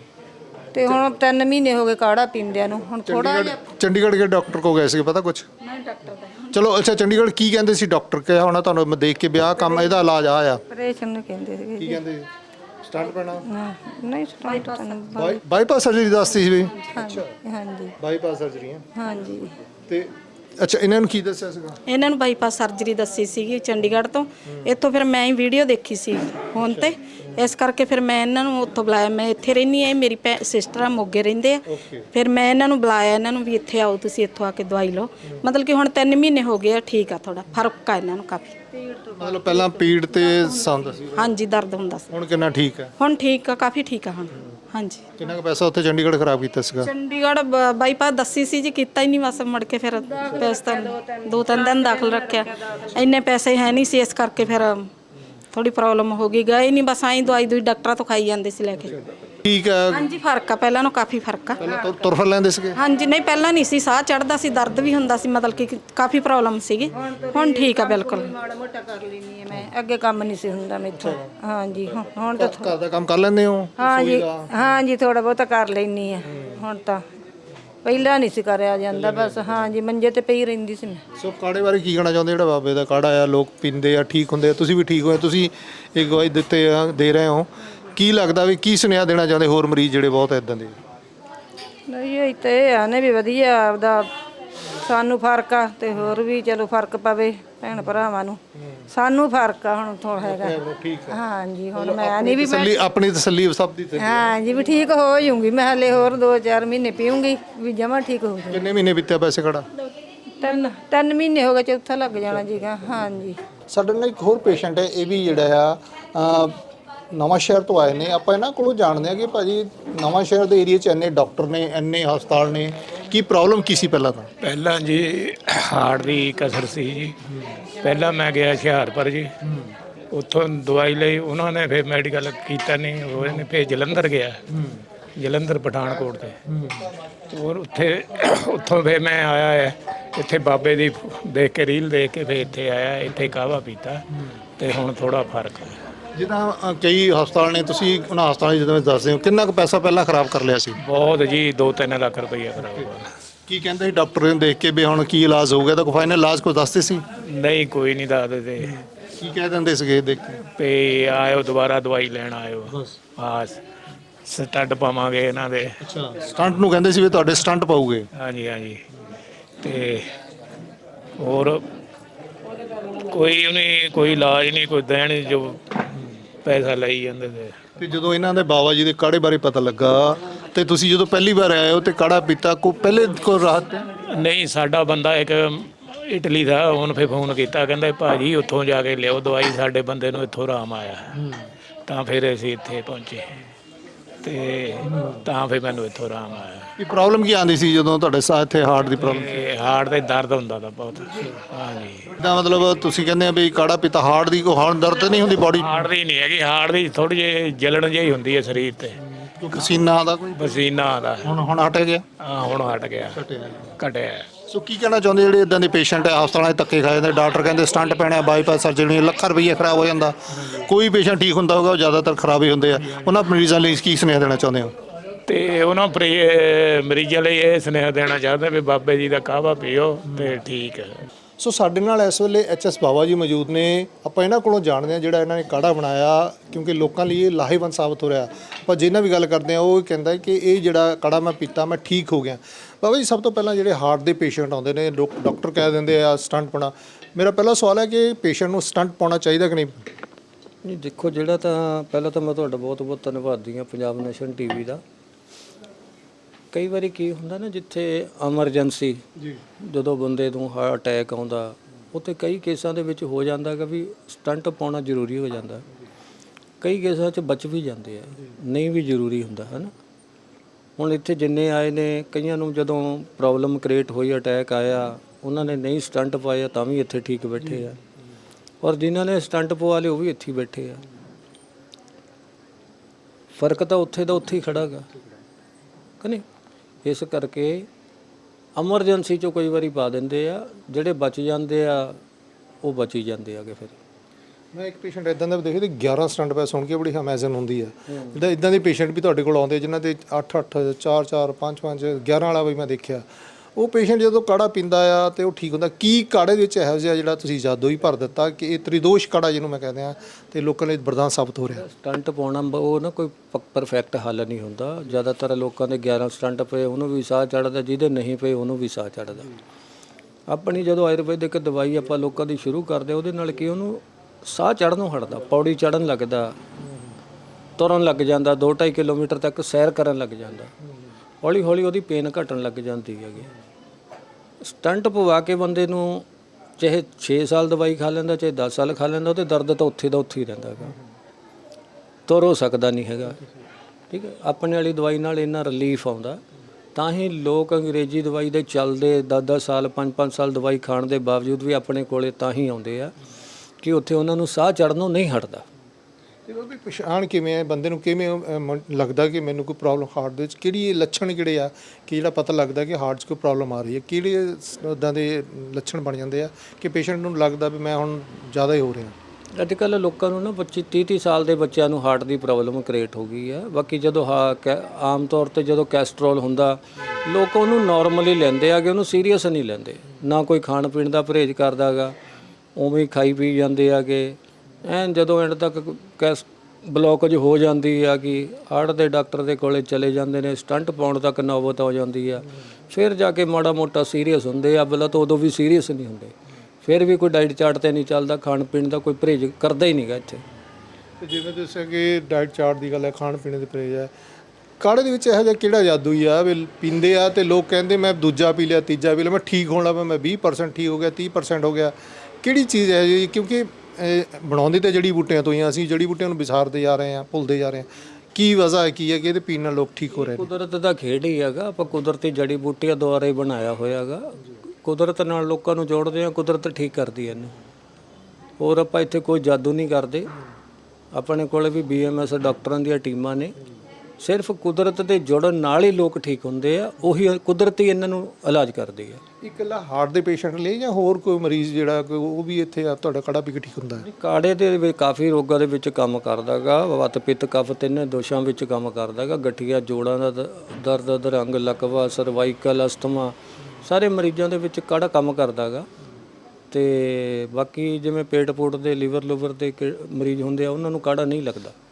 Speaker 7: ਤੇ ਹੁਣ 3 ਮਹੀਨੇ ਹੋ ਗਏ ਕਾੜਾ ਪੀਂਦਿਆਂ ਨੂੰ। ਹੁਣ ਥੋੜਾ ਜਿਹਾ
Speaker 2: ਚੰਡੀਗੜ੍ਹ ਕੇ ਡਾਕਟਰ ਕੋ ਗਏ ਸੀ, ਪਤਾ ਕੁਛ?
Speaker 6: ਮੈਂ ਡਾਕਟਰ ਦਾ
Speaker 2: ਚਲੋ ਅੱਛਾ, ਚੰਡੀਗੜ੍ਹ ਕੀ ਕਹਿੰਦੇ ਸੀ ਡਾਕਟਰ? ਕਿਹਾ ਹੋਣਾ ਤੁਹਾਨੂੰ, ਮੈਂ ਦੇਖ ਕੇ ਵਿਆਹ ਕੰਮ ਇਹਦਾ ਇਲਾਜ ਆ।
Speaker 7: ਆਪਰੇਸ਼ਨ ਨੂੰ ਕਹਿੰਦੇ ਸੀਗੇ
Speaker 2: ਕੀ
Speaker 7: ਜੀ।
Speaker 2: ਕਹਿੰਦੇ? ਸਟੰਟ ਪੈਣਾ?
Speaker 7: ਨਹੀਂ, ਸਟੰਟ ਤਾਂ ਨਹੀਂ।
Speaker 2: ਬਾਈਪਾਸ ਸਰਜਰੀ ਦੱਸਦੀ ਸੀ ਵੀ?
Speaker 7: ਹਾਂਜੀ
Speaker 2: ਬਾਈਪਾਸ ਸਰਜਰੀ ਹੈ।
Speaker 7: ਹਾਂਜੀ।
Speaker 2: ਤੇ ਅੱਛਾ, ਇਹਨਾਂ ਨੂੰ ਕੀ ਦੱਸਿਆ ਸੀਗਾ?
Speaker 6: ਇਹਨਾਂ ਨੂੰ ਬਾਈਪਾਸ ਸਰਜਰੀ ਦੱਸੀ ਸੀਗੀ ਚੰਡੀਗੜ੍ਹ ਤੋਂ। ਇੱਥੋਂ ਫਿਰ ਮੈਂ ਹੀ ਵੀਡੀਓ ਦੇਖੀ ਸੀ ਫੋਨ ਤੇ, ਇਸ ਕਰਕੇ ਫਿਰ ਮੈਂ ਇਹਨਾਂ ਨੂੰ ਉੱਥੋਂ ਬੁਲਾਇਆ। ਮੈਂ ਇੱਥੇ ਰਹਿੰਦੀ ਹਾਂ, ਮੇਰੀ ਸਿਸਟਰ ਆ ਮੋਗੇ ਰਹਿੰਦੇ ਆ। ਫਿਰ ਮੈਂ ਇਹਨਾਂ ਨੂੰ ਬੁਲਾਇਆ, ਇਹਨਾਂ ਨੂੰ ਵੀ ਇੱਥੇ ਆਓ, ਤੁਸੀਂ ਇੱਥੋਂ ਆ ਕੇ ਦਵਾਈ ਲਓ। ਮਤਲਬ ਕਿ ਹੁਣ 3 ਮਹੀਨੇ ਹੋ ਗਏ ਆ, ਠੀਕ ਆ, ਥੋੜਾ ਫਰਕ ਆ ਇਹਨਾਂ ਨੂੰ ਕਾਫੀ।
Speaker 2: ਮਤਲਬ ਪਹਿਲਾਂ ਪੀੜ ਤੇ ਸੰਦ ਸੀ,
Speaker 6: ਹਾਂਜੀ, ਦਰਦ ਹੁੰਦਾ ਸੀ।
Speaker 2: ਹੁਣ ਕਿੰਨਾ ਠੀਕ ਹੈ?
Speaker 6: ਹੁਣ ਠੀਕ ਆ, ਕਾਫੀ ਠੀਕ ਆ ਹੁਣ। ਹਾਂਜੀ।
Speaker 2: ਕਿੰਨਾ ਕੁ ਪੈਸਾ ਉੱਥੇ ਚੰਡੀਗੜ੍ਹ ਖਰਾਬ ਕੀਤਾ ਸੀਗਾ?
Speaker 6: ਚੰਡੀਗੜ੍ਹ ਬਾਈਪਾਸ ਦੱਸੀ ਸੀ ਜੀ, ਕੀਤਾ ਹੀ ਨਹੀਂ ਬਸ। ਮੁੜ ਕੇ ਫਿਰ ਪੈਸੇ ਤਾਂ 2-3 ਦਿਨ ਦਾਖਲ ਰੱਖਿਆ, ਇੰਨੇ ਪੈਸੇ ਹੈ ਨਹੀਂ ਸੀ, ਇਸ ਕਰਕੇ ਫਿਰ ਥੋੜੀ ਪ੍ਰੋਬਲਮ ਹੋ ਗਈ। ਗਏ ਨਹੀਂ, ਬਸ ਆਈ ਦਵਾਈ ਡਾਕਟਰਾਂ ਤੋਂ ਖਾਈ ਜਾਂਦੇ ਸੀ ਲੈ ਕੇ।
Speaker 2: ਠੀਕ ਹੈ,
Speaker 6: ਹਾਂਜੀ, ਫਰਕ ਆ, ਪਹਿਲਾਂ ਨੂੰ ਕਾਫੀ ਫਰਕ ਆ।
Speaker 2: ਪਹਿਲਾਂ ਤੁਰ ਫਿਰ ਲੈਂਦੇ ਸੀਗੇ?
Speaker 6: ਹਾਂਜੀ, ਨਹੀਂ ਪਹਿਲਾਂ ਨਹੀਂ ਸੀ, ਸਾਹ ਚੜਦਾ ਸੀ, ਦਰਦ ਵੀ ਹੁੰਦਾ ਸੀ, ਮਤਲਬ ਕਿ ਕਾਫੀ ਪ੍ਰੋਬਲਮ ਸੀਗੀ। ਹੁਣ ਠੀਕ ਆ ਬਿਲਕੁਲ।
Speaker 7: ਮਾੜਾ ਮੋਟਾ ਕਰ ਲੈਣੀ ਹੈ ਮੈਂ, ਅੱਗੇ ਕੰਮ ਨਹੀਂ ਸੀ ਹੁੰਦਾ ਮੇਥੋਂ। ਹਾਂਜੀ, ਹੁਣ ਤਾਂ
Speaker 2: ਘਰ ਦਾ ਕੰਮ ਕਰ ਲੈਂਦੇ ਹੋ?
Speaker 7: ਹਾਂਜੀ, ਥੋੜਾ ਬਹੁਤਾ ਕਰ ਲੈਣੀ ਆ ਹੁਣ ਤਾਂ। ਪਹਿਲਾਂ ਨਹੀਂ ਸੀ ਕਰਿਆ ਜਾਂਦਾ ਬਸ। ਹਾਂਜੀ, ਮੰਜੇ ਤੇ ਪਈ ਰਹਿੰਦੀ ਸੀ ਮੈਂ।
Speaker 2: ਸੋ ਕਾੜੇ ਬਾਰੇ ਕੀ ਕਹਿਣਾ ਚਾਹੁੰਦੇ? ਜਿਹੜਾ ਬਾਬੇ ਦਾ ਕਾੜਾ ਆ, ਲੋਕ ਪੀਂਦੇ ਆ, ਠੀਕ ਹੁੰਦੇ ਆ, ਤੁਸੀਂ ਵੀ ਠੀਕ ਹੋਏ, ਤੁਸੀਂ ਇੱਕ ਗਵਾਹੀ ਦੇ ਰਹੇ ਹੋ। ਕੀ ਲੱਗਦਾ ਵੀ ਕੀ ਸੁਨੇਹਾ ਦੇਣਾ ਚਾਹੁੰਦੇ ਹੋਰ ਮਰੀਜ਼ ਜਿਹੜੇ ਬਹੁਤ ਇਦਾਂ ਦੇ?
Speaker 7: ਨਹੀਂ, ਇਹ ਤਾਂ ਇਹ ਆ ਨੇ ਵੀ ਵਧੀਆ ਆਪਦਾ ਸਾਨੂੰ ਫਰਕ ਆ, ਤੇ ਹੋਰ ਵੀ ਚਲੋ ਫਰਕ ਪਵੇ ਭੈਣ ਭਰਾਵਾਂ ਨੂੰ। ਸਾਨੂੰ ਫਰਕ ਆ ਹੁਣ ਥੋੜਾ ਹੈਗਾ।
Speaker 2: ਠੀਕ
Speaker 7: ਹਾਂਜੀ, ਹੁਣ ਮੈਂ ਨਹੀਂ ਵੀ
Speaker 2: ਆਪਣੀ ਤਸੱਲੀ ਸਭ ਦੀ।
Speaker 7: ਹਾਂਜੀ, ਵੀ ਠੀਕ ਹੋ ਜਾਊਂਗੀ ਮੈਂ। ਹਲੇ ਹੋਰ 2-4 ਮਹੀਨੇ ਪੀਊਂਗੀ ਵੀ ਜਮਾ ਠੀਕ ਹੋ ਜਾਊ।
Speaker 2: ਕਿੰਨੇ ਮਹੀਨੇ ਬੀਤੇ ਪੈਸੇ ਕਾੜਾ?
Speaker 7: 3 ਮਹੀਨੇ ਹੋ ਗਏ, ਚੌਥਾ ਲੱਗ ਜਾਣਾ ਜੀਗਾ। ਹਾਂਜੀ।
Speaker 2: ਸਾਡੇ ਨਾਲ ਇੱਕ ਹੋਰ ਪੇਸ਼ੈਂਟ ਹੈ, ਇਹ ਵੀ ਜਿਹੜਾ ਆ ਨਵਾਂ ਸ਼ਹਿਰ ਤੋਂ ਆਏ ਨੇ। ਆਪਾਂ ਇਹਨਾਂ ਕੋਲੋਂ ਜਾਣਦੇ ਆ ਕਿ ਭਾਜੀ ਨਵਾਂ ਸ਼ਹਿਰ ਦੇ ਏਰੀਆ 'ਚ ਇੰਨੇ ਡਾਕਟਰ ਨੇ, ਇੰਨੇ ਹਸਪਤਾਲ ਨੇ, ਕੀ ਪ੍ਰੋਬਲਮ ਕੀ ਸੀ ਪਹਿਲਾਂ ਤਾਂ?
Speaker 4: ਪਹਿਲਾਂ ਜੀ ਹਾਰਟ ਦੀ ਕਸਰ ਸੀ ਜੀ। ਪਹਿਲਾਂ ਮੈਂ ਗਿਆ ਹੁਸ਼ਿਆਰਪੁਰ ਜੀ, ਉੱਥੋਂ ਦਵਾਈ ਲਈ। ਉਹਨਾਂ ਨੇ ਫਿਰ ਮੈਡੀਕਲ ਕੀਤਾ ਨਹੀਂ, ਉਹਨੇ ਫਿਰ ਜਲੰਧਰ ਗਿਆ, ਜਲੰਧਰ ਪਠਾਨਕੋਟ ਤੇ। ਔਰ ਉੱਥੋਂ ਫਿਰ ਮੈਂ ਆਇਆ ਹੈ ਇੱਥੇ, ਬਾਬੇ ਦੀ ਦੇਖ ਕੇ ਰੀਲ ਦੇਖ ਕੇ ਫਿਰ ਇੱਥੇ ਆਇਆ, ਇੱਥੇ ਕਾਹਵਾ ਪੀਤਾ ਤੇ ਹੁਣ ਥੋੜਾ ਫਰਕ ਹੈ।
Speaker 2: ਜਿੱਦਾਂ ਕਈ ਹਸਪਤਾਲ ਨੇ, ਤੁਸੀਂ ਉਹਨਾਂ ਹਸਪਤਾਲਾਂ ਜਦੋਂ ਦੱਸਦੇ ਹੋ ਕਿੰਨਾ ਕੁ ਪੈਸਾ ਪਹਿਲਾਂ ਖਰਾਬ ਕਰ ਲਿਆ ਸੀ?
Speaker 4: ਬਹੁਤ ਜੀ, 2-3 ਲੱਖ ਰੁਪਈਆ ਖਰਾਬ ਹੋਇਆ।
Speaker 2: ਕੀ ਕਹਿੰਦੇ ਸੀ ਡਾਕਟਰ ਨੂੰ ਦੇਖ ਕੇ ਵੀ ਹੁਣ ਕੀ ਇਲਾਜ ਹੋਊਗਾ? ਤਾਂ ਕੋਈ ਫਾਈਨਲ ਇਲਾਜ ਕੋਈ ਦੱਸਦੇ ਸੀ?
Speaker 4: ਨਹੀਂ, ਕੋਈ ਨਹੀਂ ਦੱਸਦੇ।
Speaker 2: ਕੀ ਕਹਿ ਦਿੰਦੇ ਸੀਗੇ ਦੇਖ ਕੇ?
Speaker 4: ਤੇ ਆਇਓ ਦੁਬਾਰਾ ਦਵਾਈ ਲੈਣ ਆਇਓ, ਬਸ ਸਟੱਡ ਪਾਵਾਂਗੇ ਇਹਨਾਂ ਦੇ।
Speaker 2: ਅੱਛਾ, ਸਟੰਟ ਨੂੰ ਕਹਿੰਦੇ ਸੀ ਵੀ ਤੁਹਾਡੇ ਸਟੰਟ ਪਾਉਗੇ?
Speaker 4: ਹਾਂਜੀ ਹਾਂਜੀ। ਤੇ ਹੋਰ ਕੋਈ ਉਹਨੇ ਕੋਈ ਇਲਾਜ ਨਹੀਂ, ਕੋਈ ਦੇਣ, ਜੋ ਪੈਸਾ ਲਈ ਜਾਂਦੇ ਤੇ।
Speaker 2: ਤੇ ਜਦੋਂ ਇਹਨਾਂ ਦੇ ਬਾਬਾ ਜੀ ਦੇ ਕਾੜੇ ਬਾਰੇ ਪਤਾ ਲੱਗਾ ਤੇ ਤੁਸੀਂ ਜਦੋਂ ਪਹਿਲੀ ਵਾਰ ਆਏ ਹੋ ਤੇ ਕਾੜਾ ਪੀਤਾ, ਪਹਿਲੇ ਕੋਈ ਰਾਹਤ?
Speaker 4: ਨਹੀਂ, ਸਾਡਾ ਬੰਦਾ ਇੱਕ ਇਟਲੀ ਦਾ, ਉਹਨੇ ਫਿਰ ਫੋਨ ਕੀਤਾ, ਕਹਿੰਦਾ ਭਾਜੀ ਉੱਥੋਂ ਜਾ ਕੇ ਲਿਆਓ ਦਵਾਈ, ਸਾਡੇ ਬੰਦੇ ਨੂੰ ਇੱਥੋਂ ਆਰਾਮ ਆਇਆ। ਤਾਂ ਫਿਰ ਅਸੀਂ ਇੱਥੇ ਪਹੁੰਚੇ ਤੇ ਤਾਂ ਫਿਰ ਮੈਨੂੰ ਇੱਥੋਂ ਆਰਾਮ ਆਇਆ।
Speaker 2: ਇਹ ਪ੍ਰੋਬਲਮ ਕੀ ਆਉਂਦੀ ਸੀ ਜਦੋਂ ਤੁਹਾਡੇ ਸਾਹ ਇੱਥੇ ਹਾਰਟ ਦੀ ਪ੍ਰੋਬਲਮ?
Speaker 4: ਹਾਰਟ ਦੇ ਦਰਦ ਹੁੰਦਾ ਤਾਂ ਬਹੁਤ। ਹਾਂਜੀ।
Speaker 2: ਇਹਦਾ ਮਤਲਬ ਤੁਸੀਂ ਕਹਿੰਦੇ ਆ ਵੀ ਕਾੜਾ ਪੀਤਾ ਹਾਰਟ ਦੀ ਕੋਈ ਹਾਰਟ ਦਰਦ ਨਹੀਂ ਹੁੰਦੀ ਬਾਡੀ?
Speaker 4: ਹਾਰਟ ਦੀ ਨਹੀਂ ਹੈਗੀ, ਹਾਰਟ ਦੀ ਥੋੜੀ ਜਿਹੀ ਜਲਣ ਜਿਹੀ ਹੁੰਦੀ ਹੈ ਸਰੀਰ ਤੇ।
Speaker 2: ਪਸੀਨਾ ਆਉਂਦਾ ਕੋਈ?
Speaker 4: ਪਸੀਨਾ ਆਉਂਦਾ।
Speaker 2: ਹੁਣ ਹਟ ਗਿਆ?
Speaker 4: ਹਾਂ, ਹੁਣ ਹਟ ਗਿਆ, ਘਟਿਆ।
Speaker 2: ਸੋ ਕੀ ਕਹਿਣਾ ਚਾਹੁੰਦੇ ਜਿਹੜੇ ਇਦਾਂ ਦੇ ਪੇਸ਼ੈਂਟ ਹੈ ਹਸਪਤਾਲਾਂ 'ਚ ਧੱਕੇ ਖਾ ਜਾਂਦੇ, ਡਾਕਟਰ ਕਹਿੰਦੇ ਸਟੰਟ ਪੈਣਾ, ਬਾਈਪਾਸ ਸਰਜਰੀ, ਲੱਖਾਂ ਰੁਪਈਆ ਖਰਾਬ ਹੋ ਜਾਂਦਾ, ਕੋਈ ਪੇਸ਼ੈਂਟ ਠੀਕ ਹੁੰਦਾ ਹੋਊਗਾ, ਉਹ ਜ਼ਿਆਦਾਤਰ ਖਰਾਬ ਹੀ ਹੁੰਦੇ ਆ, ਉਹਨਾਂ ਮਰੀਜ਼ਾਂ ਲਈ ਕੀ ਸੁਨੇਹਾ ਦੇਣਾ ਚਾਹੁੰਦੇ ਹੋ?
Speaker 4: ਤੇ ਉਹਨਾਂ ਮਰੀਜ਼ਾਂ ਲਈ ਇਹ ਸੁਨੇਹਾ ਦੇਣਾ ਚਾਹੁੰਦਾ ਵੀ ਬਾਬੇ ਜੀ ਦਾ ਕਾਹਵਾ ਪੀਓ ਤੇ ਠੀਕ ਹੈ।
Speaker 2: ਸੋ ਸਾਡੇ ਨਾਲ ਇਸ ਵੇਲੇ ਐਚਐਸ ਬਾਵਾ ਜੀ ਮੌਜੂਦ ਨੇ। ਆਪਾਂ ਇਹਨਾਂ ਕੋਲੋਂ ਜਾਣਦੇ ਹਾਂ ਜਿਹੜਾ ਇਹਨਾਂ ਨੇ ਕਾੜਾ ਬਣਾਇਆ, ਕਿਉਂਕਿ ਲੋਕਾਂ ਲਈ ਇਹ ਲਾਹੇਵੰਦ ਸਾਬਤ ਹੋ ਰਿਹਾ। ਆਪਾਂ ਜਿਹਨਾਂ ਵੀ ਗੱਲ ਕਰਦੇ ਹਾਂ ਉਹ ਕਹਿੰਦਾ ਕਿ ਇਹ ਜਿਹੜਾ ਕਾੜਾ ਮੈਂ ਪੀਤਾ ਮੈਂ ਠੀਕ ਹੋ ਗਿਆ। ਬਾਬਾ ਜੀ, ਸਭ ਤੋਂ ਪਹਿਲਾਂ ਜਿਹੜੇ ਹਾਰਟ ਦੇ ਪੇਸ਼ੈਂਟ ਆਉਂਦੇ ਨੇ, ਡਾਕਟਰ ਕਹਿ ਦਿੰਦੇ ਆ ਸਟੰਟ ਪਾਉਣਾ। ਮੇਰਾ ਪਹਿਲਾ ਸਵਾਲ ਹੈ ਕਿ ਪੇਸ਼ੈਂਟ ਨੂੰ ਸਟੰਟ ਪਾਉਣਾ ਚਾਹੀਦਾ ਕਿ ਨਹੀਂ?
Speaker 5: ਨਹੀਂ ਦੇਖੋ, ਜਿਹੜਾ ਤਾਂ ਪਹਿਲਾਂ ਤਾਂ ਮੈਂ ਤੁਹਾਡਾ ਬਹੁਤ ਬਹੁਤ ਧੰਨਵਾਦੀ ਹਾਂ ਪੰਜਾਬ ਨੈਸ਼ਨ ਟੀਵੀ ਦਾ। ਕਈ ਵਾਰੀ ਕੀ ਹੁੰਦਾ ਨਾ, ਜਿੱਥੇ ਐਮਰਜੈਂਸੀ ਜਦੋਂ ਬੰਦੇ ਨੂੰ ਹਾਰਟ ਅਟੈਕ ਆਉਂਦਾ, ਉੱਥੇ ਕਈ ਕੇਸਾਂ ਦੇ ਵਿੱਚ ਹੋ ਜਾਂਦਾ ਕਿ ਵੀ ਸਟੰਟ ਪਾਉਣਾ ਜ਼ਰੂਰੀ ਹੋ ਜਾਂਦਾ। ਕਈ ਕੇਸਾਂ 'ਚ ਬਚ ਵੀ ਜਾਂਦੇ ਆ, ਨਹੀਂ ਵੀ ਜ਼ਰੂਰੀ ਹੁੰਦਾ ਹੈ ਨਾ। ਹੁਣ ਇੱਥੇ ਜਿੰਨੇ ਆਏ ਨੇ, ਕਈਆਂ ਨੂੰ ਜਦੋਂ ਪ੍ਰੋਬਲਮ ਕ੍ਰੀਏਟ ਹੋਈ, ਅਟੈਕ ਆਇਆ, ਉਹਨਾਂ ਨੇ ਨਹੀਂ ਸਟੰਟ ਪਾਇਆ ਤਾਂ ਵੀ ਇੱਥੇ ਠੀਕ ਬੈਠੇ ਆ, ਔਰ ਜਿਨ੍ਹਾਂ ਨੇ ਸਟੰਟ ਪਵਾ ਲਏ ਉਹ ਵੀ ਇੱਥੇ ਬੈਠੇ ਆ। ਫਰਕ ਤਾਂ ਉੱਥੇ ਦਾ ਉੱਥੇ ਹੀ ਖੜਾ ਗਾ ਕਿ ਨਹੀਂ। ਇਸ ਕਰਕੇ ਐਮਰਜੈਂਸੀ 'ਚੋਂ ਕਈ ਵਾਰੀ ਪਾ ਦਿੰਦੇ ਆ, ਜਿਹੜੇ ਬਚ ਜਾਂਦੇ ਆ ਉਹ ਬਚ ਹੀ ਜਾਂਦੇ ਆਗੇ। ਫਿਰ
Speaker 2: ਮੈਂ ਇੱਕ ਪੇਸ਼ੈਂਟ ਇਦਾਂ ਦਾ ਦੇਖੇ ਤੇ 11 ਸਟੰਟ ਪਏ, ਸੁਣ ਕੇ ਬੜੀ ਅਮੇਜ਼ਨ ਹੁੰਦੀ ਆ। ਜਿਹੜਾ ਇਦਾਂ ਦੇ ਪੇਸ਼ੈਂਟ ਵੀ ਤੁਹਾਡੇ ਕੋਲ ਆਉਂਦੇ ਜਿਨ੍ਹਾਂ ਦੇ 8-8 4-4 5-5 11 ਵਾਲਾ ਵੀ ਮੈਂ ਦੇਖਿਆ। ਉਹ ਪੇਸ਼ੈਂਟ ਜਦੋਂ ਕਾੜਾ ਪੀਂਦਾ ਆ ਤੇ ਉਹ ਠੀਕ ਹੁੰਦਾ। ਕੀ ਕਾੜੇ ਦੇ ਵਿੱਚ ਇਹੋ ਜਿਹਾ ਜਿਹੜਾ ਤੁਸੀਂ ਜਾਦੂ ਹੀ ਭਰ ਦਿੱਤਾ ਕਿ ਇਹ ਤ੍ਰਿਦੋਸ਼ ਕਾੜਾ ਜਿਹਨੂੰ ਮੈਂ ਕਹਿੰਦੇ ਆ ਤੇ ਲੋਕਾਂ ਲਈ ਵਰਦਾਨ ਸਾਬਤ ਹੋ ਰਿਹਾ?
Speaker 5: ਸਟੰਟ ਪਾਉਣਾ ਉਹ ਨਾ ਕੋਈ ਪਰਫੈਕਟ ਹੱਲ ਨਹੀਂ ਹੁੰਦਾ। ਜ਼ਿਆਦਾਤਰ ਲੋਕਾਂ ਦੇ 11 ਸਟੰਟ ਪਏ, ਉਹਨੂੰ ਵੀ ਸਾਹ ਚੜ੍ਹਦਾ, ਜਿਹਦੇ ਨਹੀਂ ਪਏ ਉਹਨੂੰ ਵੀ ਸਾਹ ਚੜ੍ਹਦਾ। ਆਪਣੀ ਜਦੋਂ ਆਯੁਰਵੈਦਿਕ ਦਵਾਈ ਆਪਾਂ ਲੋਕਾਂ ਦੀ ਸ਼ੁਰੂ ਕਰਦੇ, ਉਹਦੇ ਨਾਲ ਕੀ ਉਹਨੂੰ ਸਾਹ ਚੜ੍ਹਨੋਂ ਹਟਦਾ, ਪੌੜੀ ਚੜ੍ਹਨ ਲੱਗਦਾ, ਤੁਰਨ ਲੱਗ ਜਾਂਦਾ, 2-2.5 ਕਿਲੋਮੀਟਰ ਤੱਕ ਸੈਰ ਕਰਨ ਲੱਗ ਜਾਂਦਾ। ਹੌਲੀ ਹੌਲੀ ਉਹਦੀ ਪੇਨ ਘਟਣ ਲੱਗ ਜਾਂਦੀ ਹੈਗੀ। ਸਟੰਟ ਪਵਾ ਕੇ ਬੰਦੇ ਨੂੰ ਚਾਹੇ 6 ਸਾਲ ਦਵਾਈ ਖਾ ਲੈਂਦਾ, ਚਾਹੇ 10 ਸਾਲ ਖਾ ਲੈਂਦਾ, ਉਹਦੇ ਦਰਦ ਤਾਂ ਉੱਥੇ ਦਾ ਉੱਥੇ ਹੀ ਰਹਿੰਦਾ ਹੈਗਾ, ਤੁਰ ਹੋ ਸਕਦਾ ਨਹੀਂ ਹੈਗਾ। ਠੀਕ ਹੈ, ਆਪਣੇ ਵਾਲੀ ਦਵਾਈ ਨਾਲ ਇੰਨਾ ਰਿਲੀਫ ਆਉਂਦਾ। ਤਾਂ ਹੀ ਲੋਕ ਅੰਗਰੇਜ਼ੀ ਦਵਾਈ ਦੇ ਚੱਲਦੇ 10-10 ਸਾਲ 5-5 ਸਾਲ ਦਵਾਈ ਖਾਣ ਦੇ ਬਾਵਜੂਦ ਵੀ ਆਪਣੇ ਕੋਲੇ ਤਾਂ ਹੀ ਆਉਂਦੇ ਆ ਕਿ ਉੱਥੇ ਉਹਨਾਂ ਨੂੰ ਸਾਹ ਚੜ੍ਹਨੋਂ ਨਹੀਂ ਹਟਦਾ।
Speaker 2: ਤੇ ਉਹ ਵੀ ਪਛਾਣ ਕਿਵੇਂ ਹੈ ਬੰਦੇ ਨੂੰ, ਕਿਵੇਂ ਲੱਗਦਾ ਕਿ ਮੈਨੂੰ ਕੋਈ ਪ੍ਰੋਬਲਮ ਹਾਰਟ ਦੇ ਵਿੱਚ, ਕਿਹੜੀ ਲੱਛਣ ਕਿਹੜੇ ਆ ਕਿ ਜਿਹੜਾ ਪਤਾ ਲੱਗਦਾ ਕਿ ਹਾਰਟ 'ਚ ਕੋਈ ਪ੍ਰੋਬਲਮ ਆ ਰਹੀ ਹੈ? ਕਿਹੜੇ ਉੱਦਾਂ ਦੇ ਲੱਛਣ ਬਣ ਜਾਂਦੇ ਆ ਕਿ ਪੇਸ਼ੈਂਟ ਨੂੰ ਲੱਗਦਾ ਵੀ ਮੈਂ ਹੁਣ ਜ਼ਿਆਦਾ ਹੀ ਹੋ ਰਿਹਾ?
Speaker 5: ਅੱਜ ਕੱਲ੍ਹ ਲੋਕਾਂ ਨੂੰ ਨਾ 25-30 ਸਾਲ ਦੇ ਬੱਚਿਆਂ ਨੂੰ ਹਾਰਟ ਦੀ ਪ੍ਰੋਬਲਮ ਕ੍ਰੀਏਟ ਹੋ ਗਈ ਹੈ। ਬਾਕੀ ਜਦੋਂ ਆਮ ਤੌਰ 'ਤੇ ਜਦੋਂ ਕੈਸਟਰੋਲ ਹੁੰਦਾ, ਲੋਕ ਉਹਨੂੰ ਨੋਰਮਲੀ ਲੈਂਦੇ ਆ ਕਿ ਉਹਨੂੰ ਸੀਰੀਅਸ ਨਹੀਂ ਲੈਂਦੇ। ਨਾ ਕੋਈ ਖਾਣ ਪੀਣ ਦਾ ਪਰਹੇਜ਼ ਕਰਦਾ ਗਾ, ਉਵੇਂ ਹੀ ਖਾਈ ਪੀ ਜਾਂਦੇ ਆ ਕਿ ਐਨ ਜਦੋਂ ਐਂਡ ਤੱਕ ਬਲੋਕੇਜ ਹੋ ਜਾਂਦੀ ਆ ਕਿ ਹਾਰਟ ਦੇ ਡਾਕਟਰ ਦੇ ਕੋਲੇ ਚਲੇ ਜਾਂਦੇ ਨੇ, ਸਟੰਟ ਪਾਉਣ ਤੱਕ ਨੌਬਤ ਹੋ ਜਾਂਦੀ ਆ। ਫਿਰ ਜਾ ਕੇ ਮਾੜਾ ਮੋਟਾ ਸੀਰੀਅਸ ਹੁੰਦੇ ਆ, ਪਹਿਲਾਂ ਤਾਂ ਉਦੋਂ ਵੀ ਸੀਰੀਅਸ ਨਹੀਂ ਹੁੰਦੇ। ਫਿਰ ਵੀ ਕੋਈ ਡਾਈਟ ਚਾਰਟ 'ਤੇ ਨਹੀਂ ਚੱਲਦਾ, ਖਾਣ ਪੀਣ ਦਾ ਕੋਈ ਪਰਹੇਜ਼ ਕਰਦਾ ਹੀ ਨਹੀਂਗਾ ਇੱਥੇ।
Speaker 2: ਤੇ ਜਿਵੇਂ ਦੱਸਿਆ ਕਿ ਡਾਈਟ ਚਾਰਟ ਦੀ ਗੱਲ ਹੈ, ਖਾਣ ਪੀਣ ਦੇ ਪਰਹੇਜ਼ ਹੈ, ਕਾੜੇ ਦੇ ਵਿੱਚ ਇਹੋ ਜਿਹਾ ਕਿਹੜਾ ਜਾਦੂ ਹੀ ਆ ਵੀ ਪੀਂਦੇ ਆ ਤੇ ਲੋਕ ਕਹਿੰਦੇ ਮੈਂ ਦੂਜਾ ਪੀ ਲਿਆ, ਤੀਜਾ ਪੀ ਲਿਆ, ਮੈਂ ਠੀਕ ਹੋਣ ਲੱਗਾ, ਮੈਂ 20% ਠੀਕ ਹੋ ਗਿਆ, 30% ਹੋ ਗਿਆ। ਕਿਹੜੀ ਚੀਜ਼ ਹੈ ਜੀ? ਕਿਉਂਕਿ ਬਣਾਉਂਦੇ ਤਾਂ ਜੜੀ ਬੂਟੀਆਂ ਤੋਂ ਹੀ ਆ, ਅਸੀਂ ਜੜੀ ਬੂਟੀਆਂ ਨੂੰ ਵਿਸਾਰਦੇ ਜਾ ਰਹੇ ਹਾਂ, ਭੁੱਲਦੇ ਜਾ ਰਹੇ ਹਾਂ। ਕੀ ਵਜ੍ਹਾ ਹੈ, ਕੀ ਹੈ ਕਿ ਇਹਦੇ ਪੀਣ ਨਾਲ ਲੋਕ ਠੀਕ ਹੋ ਰਹੇ ਨੇ?
Speaker 5: ਕੁਦਰਤ ਦਾ ਖੇਡ ਹੀ ਹੈਗਾ। ਆਪਾਂ ਕੁਦਰਤੀ ਜੜੀ ਬੂਟੀਆਂ ਦੁਆਰਾ ਹੀ ਬਣਾਇਆ ਹੋਇਆ ਹੈਗਾ। ਕੁਦਰਤ ਨਾਲ ਲੋਕਾਂ ਨੂੰ ਜੋੜਦੇ ਆ, ਕੁਦਰਤ ਠੀਕ ਕਰਦੀ ਹੈ ਇਹਨੂੰ। ਹੋਰ ਆਪਾਂ ਇੱਥੇ ਕੋਈ ਜਾਦੂ ਨਹੀਂ ਕਰਦੇ। ਆਪਣੇ ਕੋਲ ਵੀ BMS ਡਾਕਟਰਾਂ ਦੀਆਂ ਟੀਮਾਂ ਨੇ। ਸਿਰਫ ਕੁਦਰਤ ਦੇ ਜੁੜਨ ਨਾਲ ਹੀ ਲੋਕ ਠੀਕ ਹੁੰਦੇ ਆ, ਉਹੀ ਕੁਦਰਤੀ ਇਹਨਾਂ ਨੂੰ ਇਲਾਜ ਕਰਦੀ ਹੈ।
Speaker 2: ਇਕੱਲਾ ਹਾਰਟ ਦੇ ਪੇਸ਼ੈਂਟ ਲਈ ਜਾਂ ਹੋਰ ਕੋਈ ਮਰੀਜ਼ ਜਿਹੜਾ ਉਹ ਵੀ ਇੱਥੇ ਤੁਹਾਡਾ ਕਾੜਾ ਪੀ ਕੇ ਠੀਕ ਹੁੰਦਾ ਹੈ?
Speaker 5: ਕਾੜੇ ਦੇ ਵਿੱਚ ਕਾਫੀ ਰੋਗਾਂ ਦੇ ਵਿੱਚ ਕੰਮ ਕਰਦਾ ਗਾ। ਵਤ ਪਿੱਤ ਕਫ ਤਿੰਨੇ ਦੋਸ਼ਾਂ ਵਿੱਚ ਕੰਮ ਕਰਦਾ ਗਾ। ਗਠੀਆ, ਜੋੜਾਂ ਦਾ ਦਰਦ, ਅਧਰੰਗ, ਲਕਵਾ, ਸਰਵਾਈਕਲ, ਅਸਥਮਾ, ਸਾਰੇ ਮਰੀਜ਼ਾਂ ਦੇ ਵਿੱਚ ਕਾੜਾ ਕੰਮ ਕਰਦਾ ਗਾ। ਤੇ ਬਾਕੀ ਜਿਵੇਂ ਪੇਟ ਪੂਟ ਦੇ, ਲੀਵਰ ਲੂਵਰ ਦੇ ਮਰੀਜ਼ ਹੁੰਦੇ ਆ, ਉਹਨਾਂ ਨੂੰ ਕਾੜਾ ਨਹੀਂ ਲੱਗਦਾ।